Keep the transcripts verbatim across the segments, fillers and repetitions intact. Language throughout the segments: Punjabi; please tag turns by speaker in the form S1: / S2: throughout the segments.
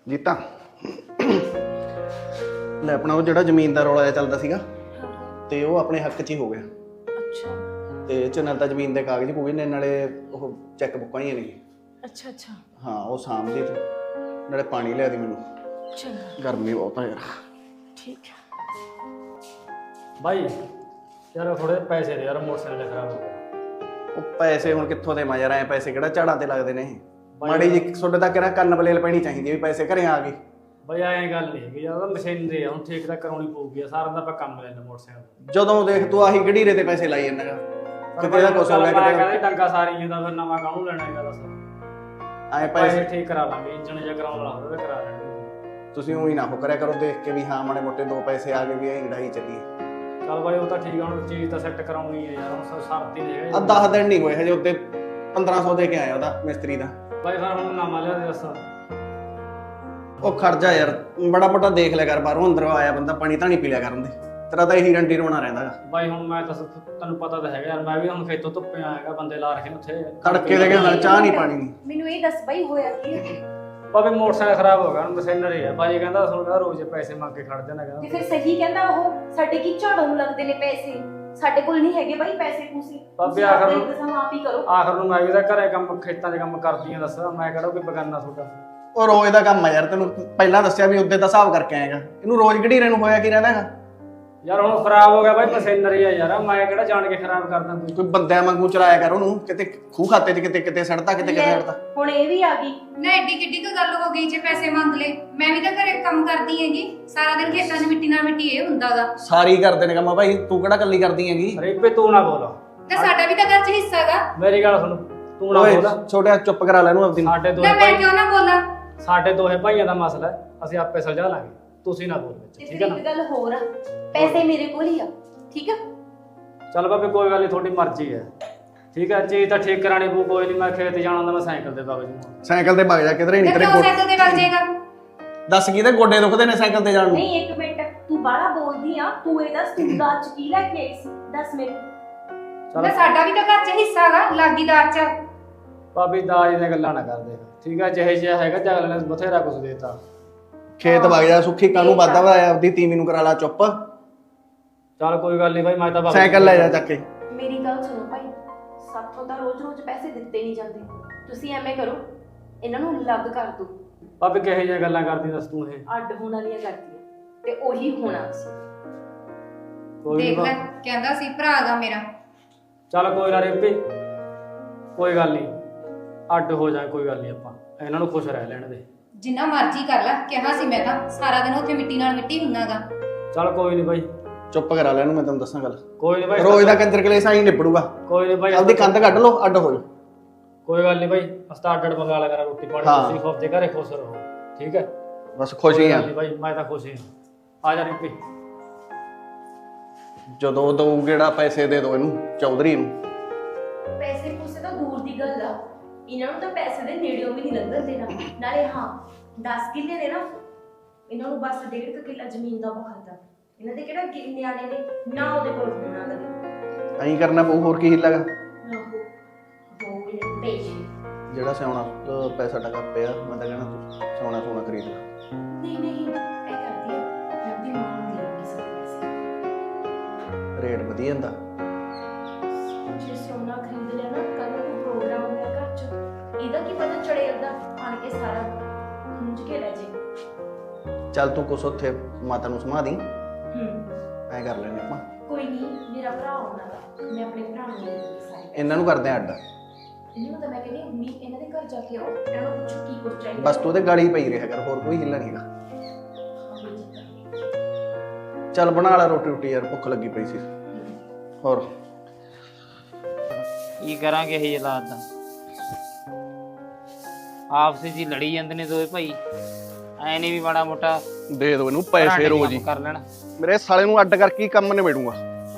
S1: ਜੀਤਾ ਲੈ ਆਪਣਾ ਉਹ ਜਿਹੜਾ ਜ਼ਮੀਨ ਦਾ ਰੌਲਾ ਜਿਹਾ ਚੱਲਦਾ ਸੀਗਾ ਤੇ ਉਹ ਆਪਣੇ ਹੱਕ 'ਚ ਹੀ ਹੋ ਗਿਆ।
S2: ਅੱਛਾ
S1: ਤੇ ਇਹ 'ਚ ਨਾਲ ਤਾਂ ਜ਼ਮੀਨ ਦੇ ਕਾਗਜ਼ ਕੋਈ ਨੇ, ਨਾਲੇ ਉਹ ਚੈੱਕ ਬੁੱਕਾਂ ਹੀ ਨੇ।
S2: ਅੱਛਾ ਅੱਛਾ
S1: ਹਾਂ ਉਹ ਸਾਂਭਦੀ ਤੂੰ, ਨਾਲੇ ਪਾਣੀ ਲਿਆ ਦੀ ਮੈਨੂੰ,
S2: ਚੰਗਾ
S1: ਗਰਮੀ ਬਹੁਤ ਆ ਯਾਰ।
S2: ਠੀਕ ਹੈ
S3: भाई यार थोड़े पैसे दे यार, मोटरसाइकिल खराब हो गया।
S1: ਉਹ ਪੈਸੇ ਹੁਣ ਕਿੱਥੋਂ ਦੇ ਮੈਂ ਯਾਰ, ਐ ਪੈਸੇ ਕਿਹੜਾ ਝਾੜਾਂ ਤੇ ਲੱਗਦੇ ਨੇ। ਮਾੜੀ ਜੀ ਤੁਹਾਡੇ ਤੱਕ ਕਿਹੜਾ ਕੰਨ ਬਲੇਲ ਪੈਣੀ ਚਾਹੀਦੀ ਵੀ ਪੈਸੇ ਘਰੇ ਆ ਗਏ।
S3: ਬਈ ਐਂ ਗੱਲ ਨਹੀਂ ਹੈਗੀ ਯਾਰ, ਮਸ਼ੀਨਰੀ ਆ ਹੁਣ ਠੀਕ ਤਾਂ ਕਰਾਉਣੀ ਪਊਗੀ। ਸਾਰਾ ਦਾ ਆਪਾਂ ਕੰਮ ਲੈਣਾ ਮੋਟਰਸਾਈਕਲ।
S1: ਜਦੋਂ ਦੇਖ ਤੂੰ ਆਹੀ ਗੜੀਰੇ ਤੇ ਪੈਸੇ ਲਾਈ ਜਾਂਦਾਗਾ, ਕਿਤੇ ਦਾ ਕੁਛ ਹੋ ਗਿਆ
S3: ਕਹਿੰਦਾ
S1: ਕਿਤੇ
S3: ਡੰਗਾ ਸਾਰੀ ਦਾ, ਫਿਰ ਨਵਾਂ ਕਾਹਨੂੰ ਲੈਣਾ ਹੈਗਾ ਦੱਸ।
S1: ਐ
S3: ਪੈਸੇ
S1: ਪੈਸੇ
S3: ਠੀਕ ਕਰਾ ਲਾਂਗੇ, ਇੰਜਣ ਜਿਹਾ ਕਰਾਉਣ ਵਾਲਾ ਹੋਵੇ ਕਰਾ ਲੈਣਗੇ।
S1: ਤੁਸੀਂ ਉਹੀ ਨਾ ਹੋ ਕਰਿਆ ਕਰੋ ਦੇਖ ਕੇ ਵੀ ਹਾਂ ਮਾੜੇ ਮੋਟੇ ਦੋ ਪੈਸੇ ਆ ਗਏ ਵੀ ਐਂ ਲੜਾਈ ਚੱਲੀ।
S3: ਚੱਲ ਬਾਈ ਉਹ ਤਾਂ ਠੀਕ ਆ, ਹੁਣ ਚੀਜ਼ ਤਾਂ ਸੈੱਟ ਕਰਾਉਣੀ ਹੈ ਯਾਰ, ਹੁਣ ਸਰਤੀ ਨਹੀਂ ਹੈਗਾ।
S1: ਆ ਦਸ ਦਿਨ ਨਹੀਂ ਹੋਏ ਹਜੇ, ਉੱਤੇ ਪੰਦਰਾਂ ਸੌ ਦੇ ਕੇ ਆਇਆ ਉਹਦਾ ਮਿਸਤਰੀ ਦਾ।
S3: ਬਾਈ ਫਿਰ ਹੁਣ ਨਵਾਂ ਲਿਆ ਦੇ ਦੱਸ।
S1: ਉਹ ਖਰਜਾ ਯਾਰ ਬੜਾ ਮੋਟਾ ਦੇਖ ਲਿਆ ਕਰ, ਬਾਹਰੋਂ ਅੰਦਰੋਂ ਆਇਆ ਬੰਦਾ ਪਾਣੀ ਤਾਂ ਨਹੀਂ ਪੀ ਲਿਆ ਕਰਨ ਦੇ। ਤੇਰਾ ਤਾਂ ਇਹੀ ਰੰਡੀ ਰੋਣਾ ਰਹਿੰਦਾਗਾ।
S3: ਬਾਈ ਹੁਣ ਮੈਂ ਤਾਂ ਤੈਨੂੰ ਪਤਾ ਤਾਂ ਹੈਗਾ ਯਾਰ, ਮੈਂ ਵੀ ਹੁਣ ਖੇਤੋਂ ਧੁੱਪੇ ਆਇਆਗਾ, ਬੰਦੇ ਲਾ ਰੱਖੇ ਨੇ ਉੱਥੇ
S1: ਤੜਕੇ ਦੇ ਕੇ ਚਾਹ ਨਹੀਂ ਪਾਣੀ ਨਹੀਂ।
S2: ਮੈਨੂੰ ਇਹ ਦੱਸ ਬਾਈ ਹੋਇਆ ਕੀ ਹੈ?
S3: ਭਾਵੇਂ ਮੋਟਰਸਾਈਕਲ ਖਰਾਬ ਹੋ ਗਿਆ, ਹੁਣ ਮਸ਼ੀਨਰੀ ਆ। ਬਾਈ ਕਹਿੰਦਾ ਤੁਹਾਨੂੰ ਕਹਿੰਦਾ ਰੋਜ਼ ਪੈਸੇ ਮੰਗ ਕੇ ਖੜ ਜਾਣਾ
S2: ਤੇ
S3: ਕਹਿੰਦਾ।
S2: ਫਿਰ ਸਹੀ ਕਹਿੰਦਾ ਉਹ, ਸਾਡੇ ਕੀ ਝਾੜੂ ਨੂੰ ਲੱਗਦੇ ਨੇ ਪੈਸੇ, ਸਾਡੇ ਕੋਲ ਨਹੀਂ ਹੈਗੇ ਬਾਈ ਪੈਸੇ ਪੂਸੇ।
S3: ਬਾਬੇ ਆਖਰ ਨੂੰ
S2: ਤੁਸੀਂ ਆਪ ਹੀ ਕਰੋ।
S3: ਆਖਰ ਨੂੰ ਮੈਂ ਵੀ ਤਾਂ ਘਰੇ ਕੰਮ ਖੇਤਾਂ 'ਚ ਕੰਮ ਕਰਦੀ ਆ, ਦੱਸ ਮੈਂ ਕਿਹੜਾ ਕੋਈ ਬਗਾਨਾ ਤੁਹਾਡਾ।
S1: ਉਹ ਰੋਜ਼ ਦਾ ਕੰਮ ਆ ਯਾਰ, ਤੈਨੂੰ ਪਹਿਲਾਂ ਦੱਸਿਆ ਵੀ ਉੱਤੇ ਦਾ ਹਿਸਾਬ ਕਰਕੇ ਆਏਗਾ। ਇਹਨੂੰ ਰੋਜ਼ ਗੜੀਰੇ ਨੂੰ ਹੋਇਆ ਕੀ ਰਹਿੰਦਾ ਹੈਗਾ।
S3: ਯਾਰ ਹੁਣ ਖਰਾਬ ਹੋ ਗਿਆ ਬਾਈ, ਮਸ਼ੀਨਰੀ ਆ ਯਾਰ, ਮੈਂ ਕਿਹੜਾ ਜਾਣ ਕੇ ਖਰਾਬ ਕਰਦਾ ਕੋਈ।
S1: ਕੋਈ ਬੰਦਿਆਂ ਵਾਂਗੂ ਚਲਾਇਆ ਕਰ ਉਹਨੂੰ, ਕਿਤੇ ਖੂਹ ਖਾਤੇ 'ਚ ਕਿਤੇ ਕਿਤੇ ਸੜਦਾ, ਕਿਤੇ ਕਿਤੇ ਸੜਦਾ।
S2: ਹੁਣ ਇਹ ਵੀ ਆ ਗਈ
S4: ਨਾ ਐਡੀ ਕਿੱਡੀ ਕੁ ਗੱਲ ਹੋ ਗਈ ਜੇ ਪੈਸੇ ਮੰਗ ਲਏ। ਮੈਂ ਵੀ ਤਾਂ ਘਰੇ ਕੰਮ ਕਰਦੀ ਹੈਗੀ, ਸਾਰਾ ਦਿਨ ਖੇਤਾਂ 'ਚ ਮਿੱਟੀ ਨਾਲ ਮਿੱਟੀ ਇਹ ਹੁੰਦਾਗਾ।
S1: ਸਾਰੀ ਕਰਦੇ ਨੇ ਕੰਮ ਭਾਈ, ਤੂੰ ਕਿਹੜਾ ਕੱਲੀ ਕਰਦੀ ਹੈਗੀ।
S3: ਰੇਪੇ ਤੂੰ ਨਾ ਬੋਲ,
S4: ਤੇ ਸਾਡਾ ਵੀ ਤਾਂ ਘਰ 'ਚ ਹਿੱਸਾ ਗਾ।
S3: ਮੇਰੀ ਗੱਲ ਸੁਣ, ਤੂੰ ਨਾ
S1: ਓਏ
S3: ਬੋਲ।
S1: ਛੋਟਿਆ ਚੁੱਪ ਕਰਾ ਲੈ ਇਹਨੂੰ ਆਪਦੀ ਨੂੰ।
S3: ਸਾਡੇ
S4: ਨਾ
S3: ਦੋਹੇ
S4: ਮੈਂ
S3: ਭਾਈ
S4: ਕਿਉਂ ਨਾ ਬੋਲਾਂ?
S3: ਸਾਡੇ ਦੋਹੇ ਭਾਈਆਂ ਦਾ ਮਸਲਾ ਹੈ, ਅਸੀਂ ਆਪੇ ਸੁਲਝਾ ਲਾਂਗੇ, ਤੁਸੀਂ ਨਾ ਬੋਲ ਵਿੱਚ,
S2: ਤੇ
S3: ਠੀਕ
S2: ਫਿਰ
S3: ਹੈ ਨਾ।
S2: ਇੱਕ ਗੱਲ ਹੋਰ ਆ, ਪੈਸੇ ਮੇਰੇ ਕੋਲ ਹੀ ਆ, ਠੀਕ ਆ?
S3: ਚੱਲ ਬਾਬੇ ਕੋਈ ਗੱਲ ਨਹੀਂ, ਤੁਹਾਡੀ ਮਰਜ਼ੀ ਹੈ, ਠੀਕ ਹੈ। ਚੀਜ਼ ਤਾਂ ਠੀਕ ਕਰਾਣੀ ਪਊ, ਕੋਈ ਨਹੀਂ। ਮੈਂ ਖੇਤ ਜਾਣਾ ਹੁੰਦਾ, ਮੈਂ ਸਾਈਕਲ ਤੇ ਵਗ ਜੂਗਾ।
S1: ਸਾਈਕਲ ਤੇ ਵਗ ਜਾ, ਕਿਧਰੇ
S4: ਤੇ
S1: ਨਹੀਂ ਤੇਰੇ
S4: ਕਿਉਂ
S1: ਕੋਲ।
S4: ਸਾਈਕਲ ਤੇ ਵਗ ਜਾਏਗਾ?
S1: ਦੱਸ ਕਿਹਦੇ ਗੋਡੇ ਦੁਖਦੇ ਨੇ ਸਾਈਕਲ ਤੇ ਜਾਣ ਨੂੰ।
S2: ਨਹੀਂ ਇੱਕ ਮਿੰਟ, ਤੂੰ ਬਾਹਲਾ ਬੋਲਦੀ ਆ। ਤੂੰ ਇਹ ਦੱਸ ਤੂੰ ਦਾਜ ਚ ਕੀ ਲੈ ਕੇ ਆਈ ਸੀ, ਦੱਸ ਮੈਨੂੰ।
S3: ਚੱਲ
S4: ਨਾ ਸਾਡਾ ਵੀ ਤਾਂ ਘਰ 'ਚ ਹਿੱਸਾ ਗਾ, ਲਾਗੀ ਦਾਜ 'ਚ।
S3: ਭਾਬੀ ਦਾਜ ਦੀਆਂ ਗੱਲਾਂ ਨਾ ਕਰਦੇ, ਠੀਕ ਹੈ। ਜਿਹੇ ਜਿਹਾ ਹੈਗਾ ਜਗਲ ਨੇ ਬਥੇਰਾ ਕੁਝ ਦੇਤਾ।
S1: ਖੇਤ ਵਗ ਜਾ, ਸੁੱਖੀ ਕਾਨੂੰ ਵਾਦਾ ਵਾ ਆਪਦੀ ਤੀਵੀਂ ਨੂੰ ਕਰਾ ਲਾ ਚੁੱਪ।
S3: ਚੱਲ ਕੋਈ ਗੱਲ ਨਹੀਂ ਭਾਈ, ਮੈਂ ਤਾਂ ਵਗ
S1: ਸਾਈਕਲ ਲੈ ਜਾ ਚੱਕ ਕੇ।
S2: ਮੇਰੀ ਗੱਲ ਸੁਣੋ ਭਾਈ, ਸਾਥੋਂ ਤਾਂ ਰੋਜ਼-ਰੋਜ਼ ਪੈਸੇ ਦਿੱਤੇ ਨਹੀਂ ਜਾਂਦੇ। ਤੁਸੀਂ ਐਵੇਂ ਕਰੋ, ਇਹਨਾਂ ਨੂੰ ਅਲੱਗ ਕਰ ਦਿਓ।
S3: ਭਾਬੀ ਕਿਹੋ ਜਿਹੀਆਂ ਗੱਲਾਂ ਕਰਦੀ ਦੱਸ ਤੂੰ ਇਹ।
S2: ਅੱਡ ਹੋਣ ਵਾਲੀਆਂ ਕਰਦੀਆਂ ਤੇ ਉਹੀ ਹੋਣਾ ਸੀ।
S3: ਕੋਈ
S4: ਦੇਖ ਲੈ,
S3: ਨੀ।
S4: ਕਹਿੰਦਾ ਸੀ ਭਰਾ ਗਾ ਮੇਰਾ।
S3: ਚੱਲ ਕੋਈ ਨਾ ਰੇਪੀ, ਕੋਈ ਗੱਲ ਨਹੀਂ, ਅੱਡ ਹੋ ਜਾਏ, ਕੋਈ ਗੱਲ ਨਹੀਂ। ਆਪਾਂ ਇਹਨਾਂ ਨੂੰ ਖੁਸ਼ ਰਹਿ ਲੈਣ ਦੇ।
S4: ਜਿੰਨਾ ਮਰਜ਼ੀ ਕਰ ਲੈ, ਕਿਹਾ ਸੀ ਮੈਂ ਤਾਂ, ਸਾਰਾ ਦਿਨ ਉੱਥੇ ਮਿੱਟੀ ਨਾਲ ਮਿੱਟੀ ਹੁੰਨਾਗਾ।
S3: ਚੱਲ ਕੋਈ ਨਹੀਂ ਭਾਈ,
S1: ਚੁੱਪ ਕਰਾ ਲੈ ਇਹਨੂੰ, ਮੈਂ ਤੈਨੂੰ ਦੱਸਾਂ ਗੱਲ।
S3: ਕੋਈ ਨਹੀਂ ਭਾਈ,
S1: ਰੋਜ਼ ਦਾ ਕੰਜਰ ਕਲੇਸ਼ ਆਈ ਨਿਬੜੂਗਾ।
S3: ਕੋਈ ਨਹੀਂ ਭਾਈ,
S1: ਆਪਦੀ ਕੰਧ ਕੱਢ ਲਓ, ਅੱਡ ਹੋ ਜਾਓ।
S3: ਕੋਈ ਗੱਲ ਨਹੀਂ ਭਾਈ, ਅਸਤਾ ਅੱਡ ਅੱਡ ਮੰਗਾ ਲਿਆ ਕਰਾਂ ਰੋਟੀ ਪਾਣੀ।
S1: ਹਾਂ।
S3: ਤੁਸੀਂ ਖੁਦ ਦੇ ਘਰੇ ਖੁਸ਼ ਰਹੋ, ਠੀਕ ਹੈ।
S1: ਬਸ ਖੁਸ਼ ਹੀ ਆ।
S3: ਕੋਈ ਗੱਲ ਨੀ ਭਾਈ, ਮੈਂ ਤਾਂ ਖੁਸ਼ ਹੀ ਹਾਂ। ਆ ਜਾ ਰੇਪੀ।
S1: ਜਦੋਂ ਦਊ ਗੇੜਾ ਪੈਸੇ ਦੇ ਦੋ ਇਹਨੂੰ, ਚੌਧਰੀ ਨੂੰ।
S2: ਪੈਸੇ ਪੂਸੇ ਤਾਂ ਦੂਰ ਦੀ ਗੱਲ ਆ, ਇਹਨਾਂ ਨੂੰ ਤਾਂ ਪੈਸੇ ਦੇ ਨੇੜਿਓਂ ਵੀ ਨਹੀਂ ਲੰਘਣ ਦੇਣਾ। ਨਾਲੇ ਹਾਂ ਦਸ ਕਿੱਲੇ ਨੇ ਨਾ, ਇਹਨਾਂ ਨੂੰ ਬਸ ਡੇਢ ਕੁ ਕਿੱਲਾ ਜ਼ਮੀਨ ਦਾ ਬਹੁਤ ਆ। ਇਹਨਾਂ ਦੇ ਕਿਹੜਾ ਗਿ- ਨਿਆਣੇ ਨੇ ਨਾ, ਉਹਦੇ ਕੋਲ ਹੋਣਾ ਕਦੇ।
S1: ਐਂ ਕਰਨਾ ਪਊ, ਹੋਰ ਕੀ ਹਿੱਲਾਗਾ।
S2: ਉਹ ਉਹ ਪੇਜ
S1: ਜਿਹੜਾ ਸਿਆਉਣਾ ਅਹ ਪੈਸਾ ਟਕਾ ਪਿਆ, ਮੈਂ ਤਾਂ ਕਹਿਣਾ ਤੂੰ ਸੋਨਾ ਸੋਨਾ ਖਰੀਦ ਲੈ।
S2: ਨਹੀਂ ਨਹੀਂ ਇਹ ਕਰਦੀ ਆ, ਮੈਂ ਆਪਣੀ ਮਾਂ ਨੂੰ ਦੇ ਦੂੰਗੀ ਸਾਰੇ ਪੈਸੇ।
S1: ਰੇਟ ਵਧੀਆ ਹੁੰਦਾ।
S2: ਜੇ ਸੋਨਾ ਖਰੀਦ ਲਿਆ ਨਾ, ਕੱਲ ਨੂੰ ਪ੍ਰੋਗਰਾਮ ਹੋਇਆ ਘਰ ਚ, ਇਹਦਾ ਕੀ ਪਤਾ ਚੜੇ ਅੱਧਾ ਆਣ ਕੇ ਸਾਰਾ ਖੁੰਝ ਕੇ ਲੈ ਜੇ।
S1: ਚੱਲ ਤੂੰ ਕੁਛ ਉੱਥੇ ਮਾਤਾ ਨੂੰ ਸਮਾ ਦੀ,
S2: ਹੂੰ
S1: ਐਂ ਕਰ ਲੈਣੇ ਆਪਾਂ।
S2: ਕੋਈ ਨਹੀਂ, ਮੇਰਾ ਭਰਾ ਆਉਣਾ ਦਾ, ਮੈਂ ਆਪਣੇ ਭਰਾ ਨੂੰ ਦੇ ਦੂੰਗੀ ਸਾਰੇ।
S1: ਇਹਨਾਂ ਨੂੰ ਕਰਦੇ ਆ ਅੱਡ।
S2: ਇਹਨੂੰ ਤਾਂ ਮੈਂ ਕਹਿੰਦੀ ਮੰਮੀ ਇਹਨਾਂ ਦੇ ਘਰ ਜਾ ਕੇ ਆਓ, ਇਹਨਾਂ ਨੂੰ ਪੁੱਛੋ ਕੀ ਕੁਝ ਚਾਹੀਦਾ।
S1: ਬਸ ਤੂੰ ਤੇ ਗਾਲੀ ਪਈ ਰਿਹਾ ਕਰ, ਹੋਰ ਕੋਈ ਹਿੱਲਾ ਨਹੀਂਗਾ। ਚੱਲ ਬਣਾ ਲੈ ਰੋਟੀ ਰੋਟੀ ਯਾਰ, ਭੁੱਖ ਲੱਗੀ ਪਈ ਸੀ। ਹੋਰ
S5: ਕੀ ਕਰਾਂਗੇ ਇਹ ਹਾਲਾਤ ਦਾ। ਆਪਸ ਵਿੱਚ ਹੀ ਲੜੀ ਜਾਂਦੇ ਨੇ ਦੋਵੇਂ ਭਾਈ। ਐ ਨਹੀਂ ਵੀ ਮਾੜਾ ਮੋਟਾ
S1: ਦੇ ਦੋ ਇਹਨੂੰ ਪੈਸੇ ਰੋਜ਼ ਹੀ।
S5: ਕਰ ਲੈਣ।
S1: ਮੇਰੇ ਸਾਲੇ ਨੂੰ ਅੱਡ ਕਰਕੇ ਹੀ ਕੰਮ ਨਿਬੇੜੂਗਾ।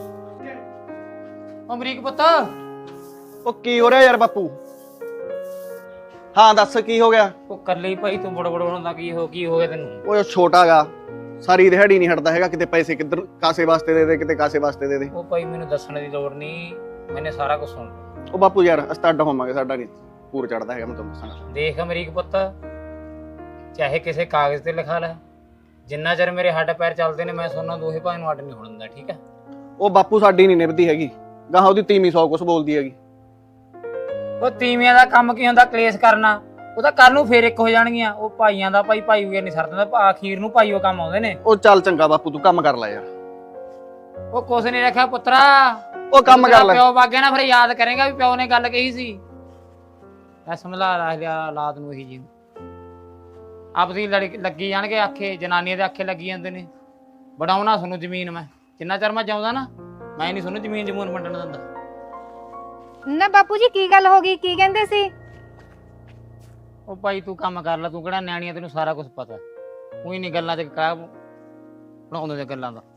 S5: ਅਮਰੀਕ ਪੁੱਤ,
S1: ਉਹ ਕੀ ਹੋ ਰਿਹਾ ਯਾਰ ਬਾਪੂ? ਹਾਂ ਦੱਸ ਕੀ ਹੋ ਗਿਆ?
S5: ਉਹ ਕੱਲੇ ਹੀ ਭਾਈ ਤੂੰ ਬੜ ਬੜ ਹੁੰਦਾ, ਕੀ ਹੋ ਕੀ ਹੋ ਗਿਆ ਤੈਨੂੰ?
S1: ਉਹ ਛੋਟਾ ਗਾ, ਸਾਰੀ ਦਿਹਾੜੀ ਨਹੀਂ ਹਟਦਾ ਹੈਗਾ, ਕਿਤੇ ਪੈਸੇ ਕਿੱਧਰ ਕਾਸੇ ਵਾਸਤੇ ਦੇ ਦੇ, ਕਿਤੇ ਕਾਸੇ ਵਾਸਤੇ ਦੇ ਦੇ।
S5: ਉਹ ਭਾਈ ਮੈਨੂੰ ਦੱਸਣ ਦੀ ਲੋੜ ਨਹੀਂ, ਮੈਨੇ ਸਾਰਾ ਕੁਝ ਸੁਣ ਲਿਆ।
S1: ਉਹ ਬਾਪੂ ਯਾਰ ਅਸੀਂ ਤਾਂ ਅੱਡ ਹੋਵਾਂਗੇ, ਸਾਡਾ ਨਹੀਂ ਪੂਰ ਚੜਦਾ ਹੈਗਾ, ਮੈਂ ਤੁਹਾਨੂੰ ਦੱਸਾਂਗਾ।
S5: ਦੇਖ ਅਮਰੀਕ ਪੁੱਤ, ਚਾਹੇ ਕਿਸੇ ਕਾਗਜ਼ ਤੇ ਲਿਖਾ ਲੈ, ਜਿੰਨਾ ਚਿਰ ਮੇਰੇ ਹੱਡ ਪੈਰ ਚੱਲਦੇ ਨੇ ਮੈਂ ਸੋਨਾ ਦੋਹੇ ਭਾਈ ਨੂੰ ਅੱਡ ਨਹੀਂ ਹੋਣ ਦਿੰਦਾ, ਠੀਕ ਹੈ?
S1: ਉਹ ਬਾਪੂ ਸਾਡੀ ਨਹੀਂ ਨਿਭਦੀ ਹੈਗੀ, ਗਾਹਾਂ ਉਹਦੀ ਤੀਵੀਂ ਸੌ ਕੁਛ ਬੋਲਦੀ ਹੈਗੀ।
S5: ਉਹ ਤੀਵੀਆਂ ਦਾ ਕੰਮ ਕੀ ਹੁੰਦਾ ਕਲੇਸ਼ ਕਰਨਾ, ਉਹ ਤਾਂ ਕੱਲ ਨੂੰ ਫੇਰ ਇੱਕ ਹੋ ਜਾਣਗੀਆਂ। ਉਹ ਭਾਈਆਂ ਦਾ ਭਾਈ ਭਾਈ ਵਗੈਰ ਨਹੀਂ ਸਰਦਾ, ਆਖੀਰ ਨੂੰ ਭਾਈ ਉਹ ਕੰਮ ਆਉਂਦੇ ਨੇ।
S1: ਉਹ ਚੱਲ ਚੰਗਾ ਬਾਪੂ ਤੂੰ ਕੰਮ ਕਰ ਲੈ ਯਾਰ।
S5: ਉਹ ਕੁਛ ਨਹੀਂ ਰੱਖਿਆ ਪੁੱਤਰਾ,
S1: ਉਹ ਕੰਮ ਕਰ ਲੈ।
S5: ਪਿਓ ਵਾਗੇ ਨਾ ਫਿਰ ਯਾਦ ਕਰੇਗਾ ਵੀ ਪਿਓ ਨੇ ਗੱਲ ਕਹੀ ਸੀ। ਐ ਸਮਝਾ ਲਿਆ ਔਲਾਦ ਨੂੰ ਇਹੀ ਜੀ ਆਪਦੀ ਲੜੀ ਲੱਗੀ ਜਾਣਗੇ ਆਖੇ, ਜਨਾਨੀਆਂ ਦੇ ਆਖੇ ਲੱਗੀ ਜਾਂਦੇ ਨੇ। ਬਣਾਉਣਾ ਤੁਹਾਨੂੰ ਜ਼ਮੀਨ ਮੈਂ, ਜਿੰਨਾ ਚਿਰ ਮੈਂ ਜਾਉਂਦਾ ਨਾ ਮੈਂ ਨਹੀਂ ਤੁਹਾਨੂੰ ਜ਼ਮੀਨ ਜਮੂਨ ਵੰਡਣ ਦਿੰਦਾ।
S4: ਨਾ ਬਾਪੂ ਜੀ ਕੀ ਗੱਲ ਹੋ ਗਈ, ਕੀ ਕਹਿੰਦੇ ਸੀ?
S5: ਉਹ ਭਾਈ ਤੂੰ ਕੰਮ ਕਰ ਲੈ, ਤੂੰ ਕਿਹੜਾ ਨਿਆਣੀ ਆ, ਤੈਨੂੰ ਸਾਰਾ ਕੁਝ ਪਤਾ। ਉਹੀ ਨਹੀਂ ਗੱਲਾਂ ਚ ਕਾ ਬਣਾਉਂਦੇ ਨੇ ਗੱਲਾਂ ਦਾ।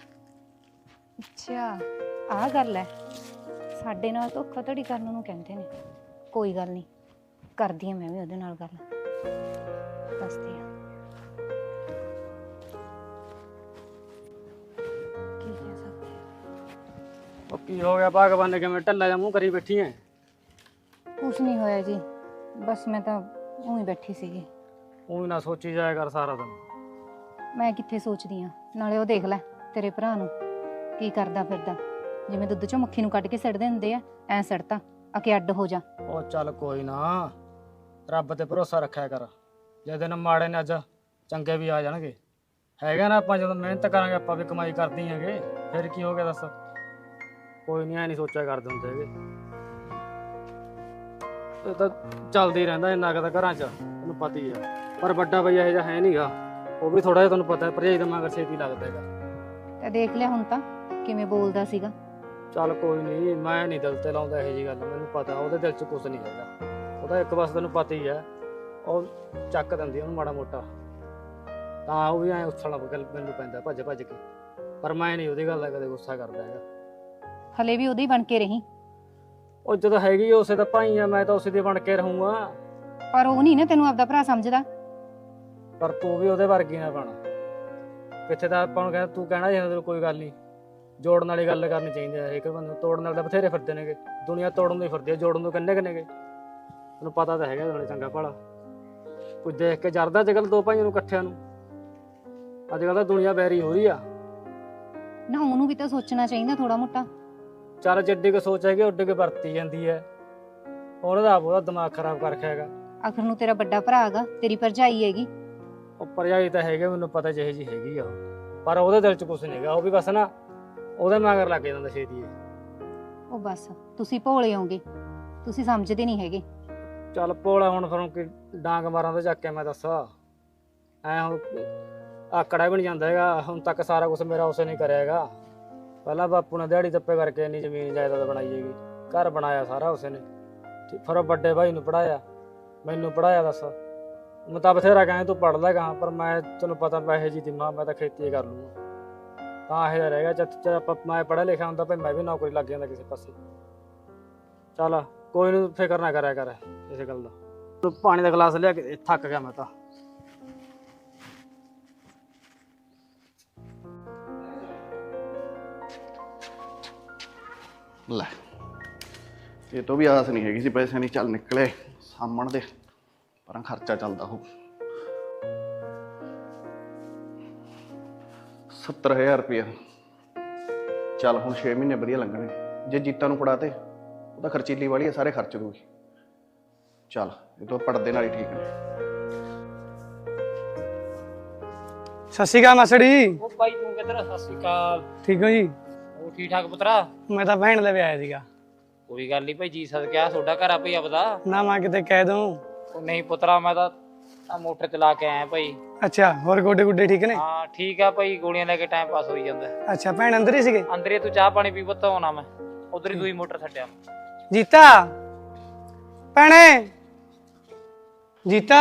S4: ਅੱਛਾ ਆਹ ਗੱਲ ਹੈ, ਸਾਡੇ ਨਾਲ ਧੋਖਾਧੜੀ ਕਰਨ ਨੂੰ ਕਹਿੰਦੇ ਨੇ। ਕੋਈ ਗੱਲ ਨਹੀਂ, ਕਰਦੀ ਹਾਂ ਮੈਂ ਵੀ ਉਹਦੇ ਨਾਲ ਗੱਲ, ਦੱਸਦੀ ਹਾਂ ਕੀ ਕਹਿ ਸਕਦੇ ਹਾਂ।
S3: ਉਹ ਕੀ ਹੋ ਗਿਆ ਭਗਵਾਨ ਨੇ, ਕਿਵੇਂ ਢੱਲਾ ਜਿਹਾ ਮੂੰਹ ਕਰੀ ਬੈਠੀ ਐ?
S4: ਕੁਛ ਨਹੀਂ ਹੋਇਆ ਜੀ, ਬਸ ਮੈਂ ਤਾਂ ਊਂ ਹੀ ਬੈਠੀ ਸੀਗੀ।
S3: ਉਹ ਨਾ ਸੋਚੀ ਜਾਇਆ ਕਰ ਸਾਰਾ ਦਿਨ।
S4: ਮੈਂ ਕਿੱਥੇ ਸੋਚਦੀ ਆ, ਨਾਲੇ ਉਹ ਦੇਖ ਲੈ ਤੇਰੇ ਭਰਾ ਨੂੰ ਕੀ ਕਰਦਾ ਫਿਰਦਾ, ਜਿਵੇਂ ਦੁੱਧ ਚੋਂ ਮੱਖੀ ਨੂੰ ਕੱਢ ਕੇ ਸਿੱਟਦੇ ਹੁੰਦੇ ਆ, ਐ ਸਿੱਟਤਾ ਆ ਕੇ ਅੱਡ ਹੋ ਜਾ।
S3: ਉਹ ਚੱਲ ਕੋਈ ਨਾ, ਰੱਬ ਤੇ ਭਰੋਸਾ ਰੱਖਿਆ ਕਰ। ਜੇ ਦਿਨ ਮਾੜੇ ਨੇ ਅੱਜ ਚੰਗੇ ਵੀ ਆ ਜਾਣਗੇ। ਹੈਗਾ ਨਾ, ਆਪਾਂ ਜਦੋਂ ਮਿਹਨਤ ਕਰਾਂਗੇ ਆਪਾਂ ਵੀ ਕਮਾਈ ਕਰਦੇ ਹੈਗੇ, ਫਿਰ ਕੀ ਹੋ ਗਿਆ ਦੱਸ? ਕੋਈ ਨਹੀਂ, ਐ ਨਹੀਂ ਸੋਚਿਆ ਕਰਦੇ ਹੁੰਦੇ ਹੈਗੇ। ਇਹ ਤਾਂ ਚੱਲਦਾ ਹੀ ਰਹਿੰਦਾ ਇੰਨਾ ਕੁ ਤਾਂ ਘਰਾਂ 'ਚ, ਤੈਨੂੰ ਪਤਾ ਹੀ ਆ। ਪਰ ਵੱਡਾ ਬਈ ਇਹੋ ਜਿਹਾ ਹੈ ਨਹੀਂਗਾ, ਉਹ ਵੀ ਥੋੜਾ ਜਿਹਾ ਤੁਹਾਨੂੰ ਪਤਾ ਹੈ ਭਰਜਾਈ ਦਾ ਮਗਰ ਛੇਤੀ ਲੱਗਦਾ ਹੈਗਾ।
S4: ਤੇ ਦੇਖ ਲਿਆ ਹੁਣ ਤਾਂ ਕਿਵੇਂ ਬੋਲਦਾ ਸੀਗਾ।
S3: ਚੱਲ ਕੋਈ ਨਹੀਂ, ਮੈਂ ਨਹੀਂ ਦਿਲ ਤੇ ਲਾਉਂਦਾ ਇਹੋ ਜਿਹੀ ਗੱਲ, ਮੈਨੂੰ ਪਤਾ ਉਹਦੇ ਦਿਲ 'ਚ ਕੁਝ ਨਹੀਂ ਹੈਗਾ। ਉਹਦਾ ਇੱਕ ਬਸ ਤੈਨੂੰ ਪਤਾ ਹੀ ਹੈ, ਉਹ ਚੱਕ ਦਿੰਦੀ ਉਹਨੂੰ ਮਾੜਾ ਮੋਟਾ, ਤਾਂ ਉਹ ਵੀ ਐਂ ਉਛਲਣਾ ਮੈਨੂੰ ਪੈਂਦਾ ਭੱਜ ਭੱਜ ਕੇ। ਪਰ ਮੈਂ ਨਹੀਂ ਉਹਦੀ ਗੱਲ ਦਾ ਕਦੇ ਗੁੱਸਾ ਕਰਦਾ ਹੈਗਾ।
S4: ਹਲੇ ਵੀ ਉਹਦੀ ਬਣ ਕੇ ਰਹੀ।
S3: ਉਹ ਜਦੋਂ ਹੈਗੀ ਉਸੇ ਦਾ ਭਾਈ ਆ, ਮੈਂ ਤਾਂ ਉਸੇ ਦੀ ਬਣ ਕੇ ਰਹੂੰਗਾ।
S4: ਪਰ ਉਹ ਨਹੀਂ ਨਾ ਤੈਨੂੰ ਆਪਦਾ ਭਰਾ ਸਮਝਦਾ।
S3: ਪਰ ਤੂੰ ਵੀ ਉਹਦੇ ਵਰਗੀ ਨਾ ਬਣ। ਕਿੱਥੇ ਤਾਂ ਆਪਾਂ ਨੂੰ ਕਹਿੰਦਾ, ਤੂੰ ਕਹਿਣਾ ਚਾਹੀਦਾ ਤੈਨੂੰ ਕੋਈ ਗੱਲ ਨਹੀਂ, ਜੋੜਨ ਵਾਲੀ ਗੱਲ ਕਰਨੀ ਚਾਹੀਦੀ ਹੈ। ਇੱਕ ਬੰਦੇ ਨੂੰ ਤੋੜਨ ਵਾਲੇ ਤਾਂ ਬਥੇਰੇ ਫਿਰਦੇ ਨੇਗੇ, ਦੁਨੀਆ ਤੋੜਨ ਨੂੰ ਹੀ ਫਿਰਦੀ ਹੈ, ਜੋੜਨ ਨੂੰ ਕਿੰਨੇ ਕਿੰਨੇ ਗੇ। ਤੈਨੂੰ ਪਤਾ ਤਾਂ ਹੈਗਾ ਨਾਲੇ ਚੰਗਾ ਭਲਾ। ਕੁਝ ਦੇਖ ਕੇ ਜਰਦਾ ਅੱਜ ਕੱਲ੍ਹ ਦੋ ਭਾਈਆਂ ਨੂੰ ਇਕੱਠਿਆਂ ਨੂੰ। ਅੱਜ ਕੱਲ੍ਹ ਤਾਂ ਦੁਨੀਆ ਬੈਰੀ ਹੋ ਰਹੀ ਆ।
S4: ਨਾ ਉਹਨੂੰ ਵੀ ਤਾਂ ਸੋਚਣਾ ਚਾਹੀਦਾ ਥੋੜਾ ਮੋਟਾ।
S3: ਚੱਲ ਜਿੱਡੀ ਕੁ ਸੋਚ ਹੈਗੀ ਉੱਡੀ ਕੁ ਵਰਤੀ ਜਾਂਦੀ ਹੈ। ਉਹਨੇ ਤਾਂ ਆਪ ਉਹਦਾ ਦਿਮਾਗ ਖਰਾਬ ਕਰ ਰੱਖਿਆ ਹੈਗਾ।
S4: ਆਖਰ ਨੂੰ ਤੇਰਾ ਵੱਡਾ ਭਰਾ ਹੈਗਾ, ਤੇਰੀ ਭਰਜਾਈ ਹੈਗੀ।
S3: ਉਹ ਭਰਜਾਈ ਤਾਂ ਹੈਗੇ, ਮੈਨੂੰ ਪਤਾ ਜਿਹੇ ਜੀ ਹੈਗੀ ਆ ਉਹ, ਪਰ ਉਹਦੇ ਦਿਲ 'ਚ ਕੁਛ ਨਹੀਂ ਹੈਗਾ। ਉਹ ਵੀ ਬਸ ਨਾ ਉਹਦੇ ਮਗਰ ਲੱਗ ਜਾਂਦਾ ਛੇਤੀ।
S4: ਉਹ ਬਸ ਤੁਸੀਂ ਭੋਲੇ ਹੋਗੇ, ਤੁਸੀਂ ਸਮਝਦੇ ਨਹੀਂ ਹੈਗੇ।
S3: ਚੱਲ ਭੋਲਾ ਹੁਣ ਫਿਰ ਕਿ ਡਾਂਗ ਮਾਰਾਂ ਤੇ ਚੱਕ ਕੇ ਮੈਂ ਦੱਸਾਂ ਐ ਹੁਣ ਆਕੜਾ ਵੀ ਨਹੀਂ ਜਾਂਦਾ ਹੈਗਾ। ਹੁਣ ਤੱਕ ਸਾਰਾ ਕੁਝ ਮੇਰਾ ਉਸੇ ਨੇ ਕਰਿਆ ਹੈਗਾ। ਪਹਿਲਾਂ ਬਾਪੂ ਨੇ ਦਿਹਾੜੀ ਦੱਪੇ ਕਰਕੇ ਇੰਨੀ ਜ਼ਮੀਨ ਜਾਇਦਾਦ ਬਣਾਈ ਹੈਗੀ, ਘਰ ਬਣਾਇਆ ਸਾਰਾ ਉਸੇ ਨੇ। ਫਿਰ ਉਹ ਵੱਡੇ ਭਾਈ ਨੂੰ ਪੜਾਇਆ, ਮੈਨੂੰ ਪੜਾਇਆ। ਦੱਸ ਮੈਂ ਤਾਂ ਬਥੇਰਾ ਕਹਾਂ ਤੂੰ ਪੜ੍ਹ ਲੈ ਗਾ, ਪਰ ਮੈਂ ਤੈਨੂੰ ਪਤਾ ਪੈਸੇ ਜੀ ਦੀ ਮਾਂ, ਮੈਂ ਤਾਂ ਖੇਤੀ ਕਰ ਲੂੰਗਾ। ਤਾਂ ਇਹ ਰਹਿ ਗਿਆ ਜਦ ਆਪਾਂ ਮੈਂ ਪੜ੍ਹਿਆ ਲਿਖਿਆ ਹੁੰਦਾ ਭਾਈ ਮੈਂ ਵੀ ਨੌਕਰੀ ਲੱਗ ਜਾਂਦਾ ਕਿਸੇ ਪਾਸੇ। ਚੱਲ ਕੋਈ ਨਹੀਂ, ਫਿਕਰ ਨਾ ਕਰਿਆ ਕਰ ਇਸੇ ਗੱਲ ਦਾ। ਤੂੰ ਪਾਣੀ ਦਾ ਗਲਾਸ ਲਿਆ ਕੇ, ਥੱਕ ਗਿਆ ਮੈਂ ਤਾਂ।
S1: ਲੈ ਇਹ ਤੋਂ ਵੀ ਆਸ ਨਹੀਂ ਹੈਗੀ ਸੀ ਪੈਸੇ ਨਹੀਂ, ਚੱਲ ਨਿਕਲੇ ਸਾਹਮਣ ਦੇ, ਪਰ ਖਰਚਾ ਚੱਲਦਾ ਹੋ। ਸੱਤਰ ਹਜ਼ਾਰ ਰੁਪਇਆ ਚੱਲ ਹੁਣ ਛੇ ਮਹੀਨੇ ਵਧੀਆ ਲੰਘਣਗੇ। ਜੇ ਜੀਤਾਂ ਨੂੰ ਫੜਾ ਤੇ ਉਹਦਾ ਖਰਚੀਲੀ ਵਾਲੀ ਹੈ, ਸਾਰੇ ਖਰਚ ਦੂਗੀ। ਚੱਲ ਇਹ ਤੋਂ ਪੜਦੇ ਨਾਲ ਹੀ ਠੀਕ ਨੇ।
S6: ਸਤਿ ਸ਼੍ਰੀ ਅਕਾਲ ਮਾਸੜੀ।
S5: ਉਹ ਭਾਈ ਤੂੰ ਕਿੱਧਰ? ਸਤਿ ਸ਼੍ਰੀ ਅਕਾਲ।
S6: ਠੀਕ ਹੋ ਜੀ?
S5: ਉਹ ਠੀਕ ਠਾਕ ਪੁੱਤਰਾ?
S6: ਮੈਂ ਤਾਂ ਭੈਣ ਦੇ ਵੀ ਆਇਆ ਸੀਗਾ।
S5: ਕੋਈ ਗੱਲ ਨਹੀਂ ਭਾਈ, ਜੀ ਸਦਕਿਆ ਤੁਹਾਡਾ ਘਰ ਆ ਭਾਈ ਆਪਦਾ।
S6: ਨਾ ਮੈਂ ਕਿਤੇ ਕਹਿ ਦੂੰ।
S5: ਉਹ ਨਹੀਂ ਪੁੱਤਰਾ, ਮੈਂ ਤਾਂ ਆ ਮੋਟਰ ਚਲਾ ਕੇ ਆਇਆ ਭਾਈ।
S6: ਅੱਛਾ, ਹੋਰ ਗੋਡੇ ਗੁੱਡੇ ਠੀਕ ਨੇ?
S5: ਹਾਂ ਠੀਕ ਆ ਭਾਈ, ਗੋਲੀਆਂ ਲੈ ਕੇ ਟਾਈਮ ਪਾਸ ਹੋਈ ਜਾਂਦਾ।
S6: ਅੱਛਾ, ਭੈਣ ਅੰਦਰ ਹੀ ਸੀਗੇ?
S5: ਅੰਦਰੇ ਤੂੰ ਚਾਹ ਪਾਣੀ ਪੀ ਪੁੱਤ, ਆਉਣਾ ਮੈਂ ਉਧਰ ਹੀ ਦੂਈ ਮੋਟਰ ਛੱਡਿਆ।
S6: ਜੀਤਾ ਭੈਣੇ, ਜੀਤਾ